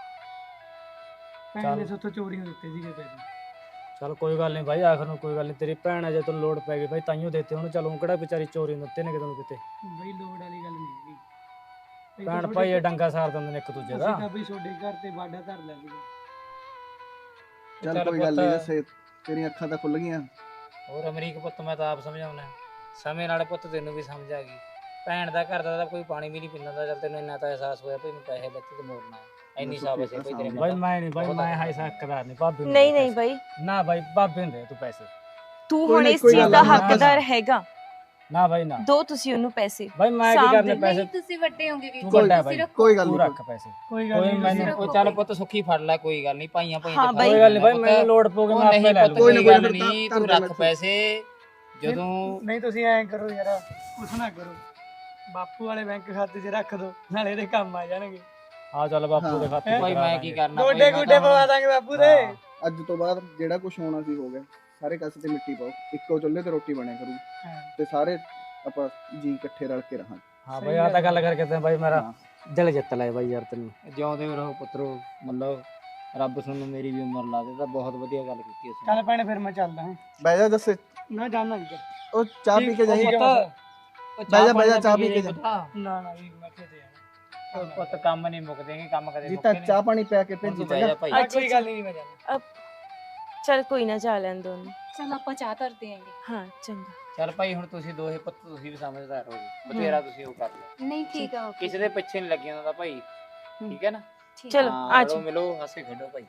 S6: ਭੈਣ ਨੇ ਸੋਥੋਂ ਚੋਰੀ ਹੋ ਦਿੱਤੇ ਸੀਗੇ ਪੈਸੇ।
S3: ਚਲ ਕੋਈ ਗੱਲ ਨਹੀਂ ਭਾਈ, ਆਖਰ ਨੂੰ ਕੋਈ ਗੱਲ ਨਹੀਂ, ਤੇਰੀ ਭੈਣ ਆ, ਜੇ ਤੈਨੂੰ ਲੋੜ ਪੈ ਗਈ ਭਾਈ ਤਾਈਓ ਦਿੱਤੇ ਹੁਣ। ਚਲੋ ਕਿਹੜਾ ਵਿਚਾਰੀ ਚੋਰੀ ਨੂੰ ਦਿੱਤੇ ਨੇ ਕਿਤੇ ਨੂੰ ਕਿਤੇ।
S6: ਬਈ ਲੋੜ ਵਾਲੀ ਗੱਲ ਨਹੀਂ ਹੈਗੀ। ਇਹ ਤਾਂ
S3: ਭੈਣ
S6: ਤੁਹਾਡੇ
S3: ਭਾਈ ਇਹ ਡੰਗਾ ਸਾਰ ਦਿੰਦੇ ਨੇ ਇੱਕ ਦੂਜੇ ਦਾ।
S6: ਅਸੀਂ ਤਾਂ ਬਈ ਤੁਹਾਡੇ ਘਰ ਤੇ ਬਾਡਾ ਧਰ ਲਿਆ ਸੀਗਾ।
S1: ਚੱਲ
S5: ਚੱਲ
S1: ਕੋਈ ਗੱਲ ਨਹੀਂ
S5: ਪੁੱਤ।
S1: ਜੱਸੇ, ਤੇਰੀਆਂ ਅੱਖਾਂ ਤਾਂ ਖੁੱਲ ਗਈਆਂ।
S5: ਹੋਰ ਅਮਰੀਕ ਪੁੱਤ ਮੈਂ ਤਾਂ ਆਪ ਸਮਝਾਉਣਾ, ਸਮੇਂ ਨਾਲ ਪੁੱਤ ਤੈਨੂੰ ਵੀ ਸਮਝ ਆ ਗਈ। ਭੈਣ ਦਾ ਘਰ ਦਾ ਤਾਂ ਕੋਈ ਪਾਣੀ ਵੀ ਨਹੀਂ ਪੀਂਦਾ ਤਾਂ ਚੱਲ ਤੈਨੂੰ ਇੰਨਾ ਤਾਂ ਅਹਿਸਾਸ ਹੋਇਆ ਵੀ ਮੈਂ ਪੈਸੇ ਬੱਚੇ ਤੇ ਮੋੜਨਾ ਹੈ। ਇੰਨੀ ਸਾਬਸ ਹੈ ਕੋਈ ਤੇਰੇ
S3: ਭਾਈ
S5: ਮਨ
S3: ਮੈਂ ਨਹੀਂ ਭਾਈ, ਮੈਂ ਹਾਈ ਹੱਕਦਾਰ ਨਹੀਂ ਭਾਬੀ ਨੂੰ
S2: ਨਹੀਂ
S3: ਦੇ
S2: ਨਹੀਂ
S3: ਪੈਸੇ।
S2: ਬਾਈ,
S3: ਨਾ ਭਾਈ ਭਾਬੀ ਨੂੰ ਦੇ ਤੂੰ ਪੈਸੇ।
S2: ਤੂੰ
S1: ਕੋਈ
S2: ਹੁਣ
S1: ਨਹੀਂ,
S2: ਇਸ
S1: ਕੋਈ
S2: ਚੀਜ਼
S1: ਗੱਲ
S2: ਦਾ
S1: ਨਹੀਂ,
S2: ਹੱਕਦਾਰ ਹੈਗਾ।
S3: ਨਾ ਭਾਈ ਨਾ,
S2: ਦੋ ਤੁਸੀਂ ਉਹਨੂੰ ਪੈਸੇ
S3: ਭਾਈ ਮੈਂ ਕੀ
S2: ਸਾਂਭ
S3: ਕਰਨੇ
S2: ਦੇ।
S3: ਪੈਸੇ,
S4: ਤੁਸੀਂ ਵੱਡੇ ਹੋਗੇ ਵੀ
S3: ਤੂੰ ਵੱਡਾ ਭਾਈ,
S1: ਕੋਈ ਗੱਲ
S3: ਤੂੰ
S1: ਨਹੀਂ।
S3: ਰੱਖ ਪੈਸੇ।
S6: ਕੋਈ ਗੱਲ
S3: ਕੋਈ
S6: ਨਹੀਂ,
S3: ਮੈਨੂੰ-
S5: ਉਹ ਚੱਲ ਪੁੱਤ ਸੁੱਖੀ ਫੜ ਲੈ, ਕੋਈ ਗੱਲ ਨਹੀਂ, ਭਾਈਆਂ ਭਾਈਆਂ
S2: ਹਾਂ
S5: ਤੇ
S2: ਬਾਈ।
S3: ਕੋਈ ਗੱਲ ਨਹੀਂ ਭਾਈ, ਮੈਨੂੰ ਲੋੜ ਪਊਗੀ
S5: ਉਹ
S3: ਮੈਂ ਆਪੇ
S5: ਨਹੀਂ
S3: ਲੈ
S5: ਪੁੱਤ,
S3: ਲੂੰਗਾ।
S1: ਕੋਈ ਨਾ,
S5: ਕੋਈ ਗੱਲ
S1: ਕੋਈ ਨਾ,
S5: ਨਹੀਂ,
S1: ਧਰ
S5: ਤੂੰ
S1: ਦੇ
S5: ਰੱਖ
S1: ਮੈਥੋਂ।
S5: ਪੈਸੇ ਜਦੋਂ
S6: ਨਹੀਂ ਤੁਸੀਂ ਐਂ ਕਰੋ ਯਾਰ, ਕੁਛ ਨਾ ਕਰੋ, ਬਾਪੂ ਵਾਲੇ ਬੈਂਕ ਖਾਤੇ 'ਚ ਰੱਖ ਦੋ, ਨਾਲੇ ਇਹਦੇ ਕੰਮ ਆ ਜਾਣਗੇ।
S3: ਆ ਚੱਲ ਬਾਪੂ ਦੇ ਖਾਤੇ
S6: ਹੈਂ?
S5: ਭਾਈ
S3: ਕਰਾ
S5: ਮੈਂ ਕੀ
S3: ਦਾਂਗੇ।
S5: ਕਰਨਾ
S6: ਗੋਡੇ
S5: ਭਾਈ, ਮੈਂ
S6: ਗੋਡੇ
S5: ਤਾਂ
S6: ਪਵਾ
S5: ਹੁਣ-
S6: ਦਾਂਗੇ ਬਾਪੂ ਦੇ।
S3: ਹਾਂ।
S1: ਅੱਜ ਤੋਂ ਬਾਅਦ ਜਿਹੜਾ ਕੁਝ ਹੋਣਾ ਸੀ ਹੋ ਗਿਆ। ਸਾਰੇ ਕਾਸੇ ਤੇ ਮਿੱਟੀ ਪਾਓ, ਇੱਕੋ ਚੁੱਲ੍ਹੇ ਤੇ ਰੋਟੀ ਬਣਿਆ ਕਰੂ,
S6: ਹਾਂ।
S1: ਤੇ ਸਾਰੇ ਆਪਾਂ ਜੀ ਇਕੱਠੇ ਰਲ ਕੇ ਰਹਾਂਗੇ।
S3: ਹਾਂ
S6: ਸਹੀ
S3: ਭਾਈ ਆ ਤਾਂ
S6: ਗੱਲ
S3: ਗੱਲ ਕਰਕੇ ਤੇ ਭਾਈ ਮੇਰਾ
S1: ਹਾਂ।
S3: ਦਿਲ ਜਿੱਤ ਲਿਆ ਭਾਈ ਯਾਰ ਤੈਨੂੰ।
S5: ਜਿਉਂਦੇ ਰਹੋ ਪੁੱਤਰੋ, ਮਤਲਬ ਰੱਬ ਤੁਹਾਨੂੰ ਮੇਰੀ ਵੀ ਉਮਰ ਲਾ ਦੇ, ਤਾਂ ਬਹੁਤ ਵਧੀਆ ਗੱਲ ਕੀਤੀ ਉਸ
S6: ਚੱਲ ਭੈਣੇ ਫਿਰ ਮੈਂ ਚੱਲਦਾ ਹਾਂ।
S1: ਬਹਿ ਜਾ ਜੱਸੇ,
S6: ਨਾ ਜਾਣਾ ਜੀ।
S1: ਉਹ ਚਾਹ ਪੀ ਕੇ ਜਾਈ।
S6: ਠੀਕ ਹੈ ਬਸ।
S1: ਬਹਿ ਜਾ, ਬਹਿ ਜਾ, ਚਾਹ ਪੀ ਕੇ ਜਾ।
S6: ਨਾ ਨਾ ਵੀ ਮੈਂ ਕਿਤੇ
S5: ਉਹ ਪੁੱਤ ਕੰਮ ਨਹੀਂ ਮੁੱਕਦੇਗੇ, ਕੰਮ ਕਦੇ
S1: ਜੀ
S5: ਮੁੱਕੇ
S1: ਤਾਂ
S5: ਨਹੀਂ।
S1: ਚਾਹ ਪਾਣੀ ਪਿਆ ਕੇ
S5: ਹੁਣ
S1: ਭੇਜੀ
S5: ਤੂੰ ਬਹਿ ਜਾ
S1: ਚੰਗਾ।
S5: ਭਾਈ।
S6: ਆ ਕੋਈ ਗੱਲ ਨਹੀਂ, ਮੈਂ ਜਾਣਾ।
S2: ਚਲ ਕੋਈ ਨਾ, ਜਾ ਲੈਣ ਦੋ ਉਹਨੂੰ।
S4: ਚਲ ਆਪਾਂ ਚਾਹ ਧਰਦੇ ਆਂਗੇ।
S2: ਹਾਂ ਚੰਗਾ।
S5: ਚੱਲ ਭਾਈ ਹੁਣ ਤੁਸੀਂ ਦੋਹੇ ਪੁੱਤ ਤੁਸੀਂ ਵੀ ਸਮਝਦਾਰ ਹੋ ਜੀ, ਬਥੇਰਾ ਤੁਸੀਂ ਉਹ ਕਰ ਲਿਆ,
S4: ਨਹੀਂ ਠੀਕ ਆ
S5: ਕਿਸੇ ਦੇ ਪਿੱਛੇ ਨਹੀਂ ਲੱਗਿਆ ਹੁੰਦਾ ਭਾਈ, ਠੀਕ ਹੈ ਨਾ।
S2: ਚਲੋ
S5: ਹਾਂ,
S2: ਆ
S5: ਰਲੋ
S2: ਜਾਓ।
S5: ਮਿਲੋ ਹੱਸੇ ਖੇਡੋ ਭਾਈ,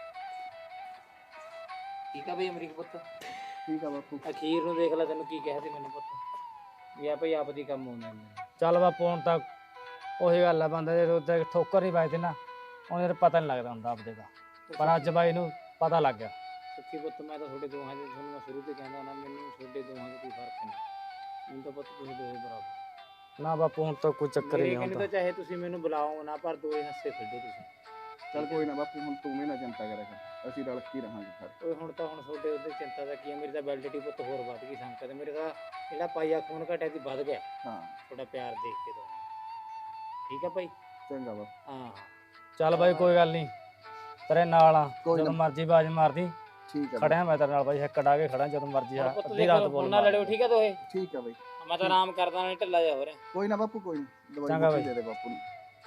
S5: ਠੀਕ ਆ ਭਾਈ ਅਮਰੀਕ ਪੁੱਤ।
S1: ਠੀਕ ਆ ਬਾਪੂ।
S5: ਅਖੀਰ ਨੂੰ ਦੇਖ ਲੈ ਤੈਨੂੰ ਕੀ ਕਿਹਾ ਸੀ ਮੈਨੂੰ ਪੁੱਤ, ਵੀ ਆ ਭਾਈ ਆਪ ਦੀ ਕੰਮ ਆਉਂਦੇ ਨੇ।
S3: ਚੱਲ ਬਾਪੂ ਹੁਣ ਤਾਂ ਉਹੀ ਗੱਲ ਆ, ਬੰਦਾ ਜੇ ਉੱਤੇ ਠੋਕਰ ਨਹੀਂ ਵੱਜਦੀ ਨਾ ਉਹਨੇ ਪਤਾ ਨਹੀਂ ਲੱਗਦਾ ਹੁੰਦਾ ਆਪਦੇ ਦਾ, ਪਰ ਅੱਜ ਬਾਈ ਨੂੰ ਪਤਾ ਲੱਗ ਗਿਆ।
S5: ਸੱਚੀ ਪੁੱਤ ਮੈਂ ਤਾਂ ਤੁਹਾਡੇ ਦੋਹਾਂ ਦੇ ਤੁਹਾਨੂੰ ਮੈਂ ਸ਼ੁਰੂ ਤੋਂ ਕਹਿੰਦਾ ਨਾ, ਮੈਨੂੰ ਤੁਹਾਡੇ ਦੋਹਾਂ ਦਾ ਕੋਈ ਫਰਕ ਨਹੀਂ, ਮੈਨੂੰ ਤਾਂ ਪੁੱਤ ਤੁਸੀਂ ਦੋਹੇ ਬਰਾਬਰ।
S3: ਨਾ ਬਾਪੂ ਹੁਣ ਤਾਂ ਕੋਈ ਚੱਕਰ ਹੀ
S5: ਮੇਰੇ
S3: ਨਹੀਂ
S5: ਕਹਿੰਦੇ
S3: ਹੁੰਦਾ।
S5: ਤਾਂ ਚਾਹੇ ਤੁਸੀਂ ਮੈਨੂੰ ਬੁਲਾਓ ਨਾ, ਪਰ ਦੋਹੇ ਹੱਸੇ ਖੇਡੋ ਤੁਸੀਂ।
S1: ਚੱਲ ਕੋਈ ਨਾ ਬਾਪੂ, ਹੁਣ ਤੂੰ ਵੀ ਨਾ ਚਿੰਤਾ ਕਰਿਆ ਕਰ, ਅਸੀਂ ਰਲ ਕੇ ਹੀ ਰਹਾਂਗੇ ਸਾਰੇ।
S5: ਓਏ ਹੁਣ ਤਾਂ ਹੁਣ ਤੁਹਾਡੇ ਉੱਤੇ ਚਿੰਤਾ ਦਾ ਕੀ ਹੈ, ਮੇਰੀ ਤਾਂ ਵੈਲਿਡਿਟੀ ਪੁੱਤ ਹੋਰ ਵੱਧ ਗਈ ਸੰਕਤ, ਮੇਰੇ ਤਾਂ ਜਿਹੜਾ ਪਾਈਆ ਖੂਨ ਘਟਿਆ ਸੀ ਵੱਧ ਗਿਆ
S1: ਹਾਂ
S5: ਤੁਹਾਡਾ ਪਿਆਰ ਦੇਖ ਕੇ ਤਾਂ। ਠੀਕ ਆ ਭਾਈ।
S1: ਚੰਗਾ ਬਾਪੂ।
S5: ਹਾਂ
S3: ਚੱਲ ਬਾਈ ਕੋਈ ਗੱਲ ਨਹੀਂ, ਤੇਰੇ ਨਾਲ ਆ,
S1: ਕੋਈ
S3: ਜਦੋਂ
S1: ਨਾ।
S3: ਮਰਜੀ ਬਾਜ ਮਾਰਦੀ।
S1: ਠੀਕ ਆ
S3: ਖੜਿਆ ਮੈਂ ਤੇਰੇ ਨਾਲ ਬਾਈ, ਇੱਕ ਡਾ ਕੇ ਖੜਾ ਜਦੋਂ ਮਰਜੀ ਆ,
S5: ਪੁੱਤ
S3: ਅੱਧੀ
S5: ਦੇਖ
S3: ਰਾਤ
S5: ਲਓ,
S3: ਬੋਲ
S5: ਹੁਣ ਨਾ ਲੜਿਓ, ਠੀਕ ਆ ਦੋਹੇ।
S1: ਠੀਕ ਆ ਬਾਈ।
S5: ਮੈਂ ਤਾਂ ਆਰਾਮ ਕਰਦਾ, ਨਹੀਂ ਢਿੱਲਾ ਜਾ ਹੋ ਰਿਹਾ।
S1: ਕੋਈ ਨਾ ਬਾਪੂ, ਕੋਈ ਨਾ, ਦਵਾਈ
S3: ਚੰਗਾ
S1: ਬੂਟੀ
S3: ਬਾਈ।
S1: ਦੇ ਦੇ ਬਾਪੂ ਨੂੰ।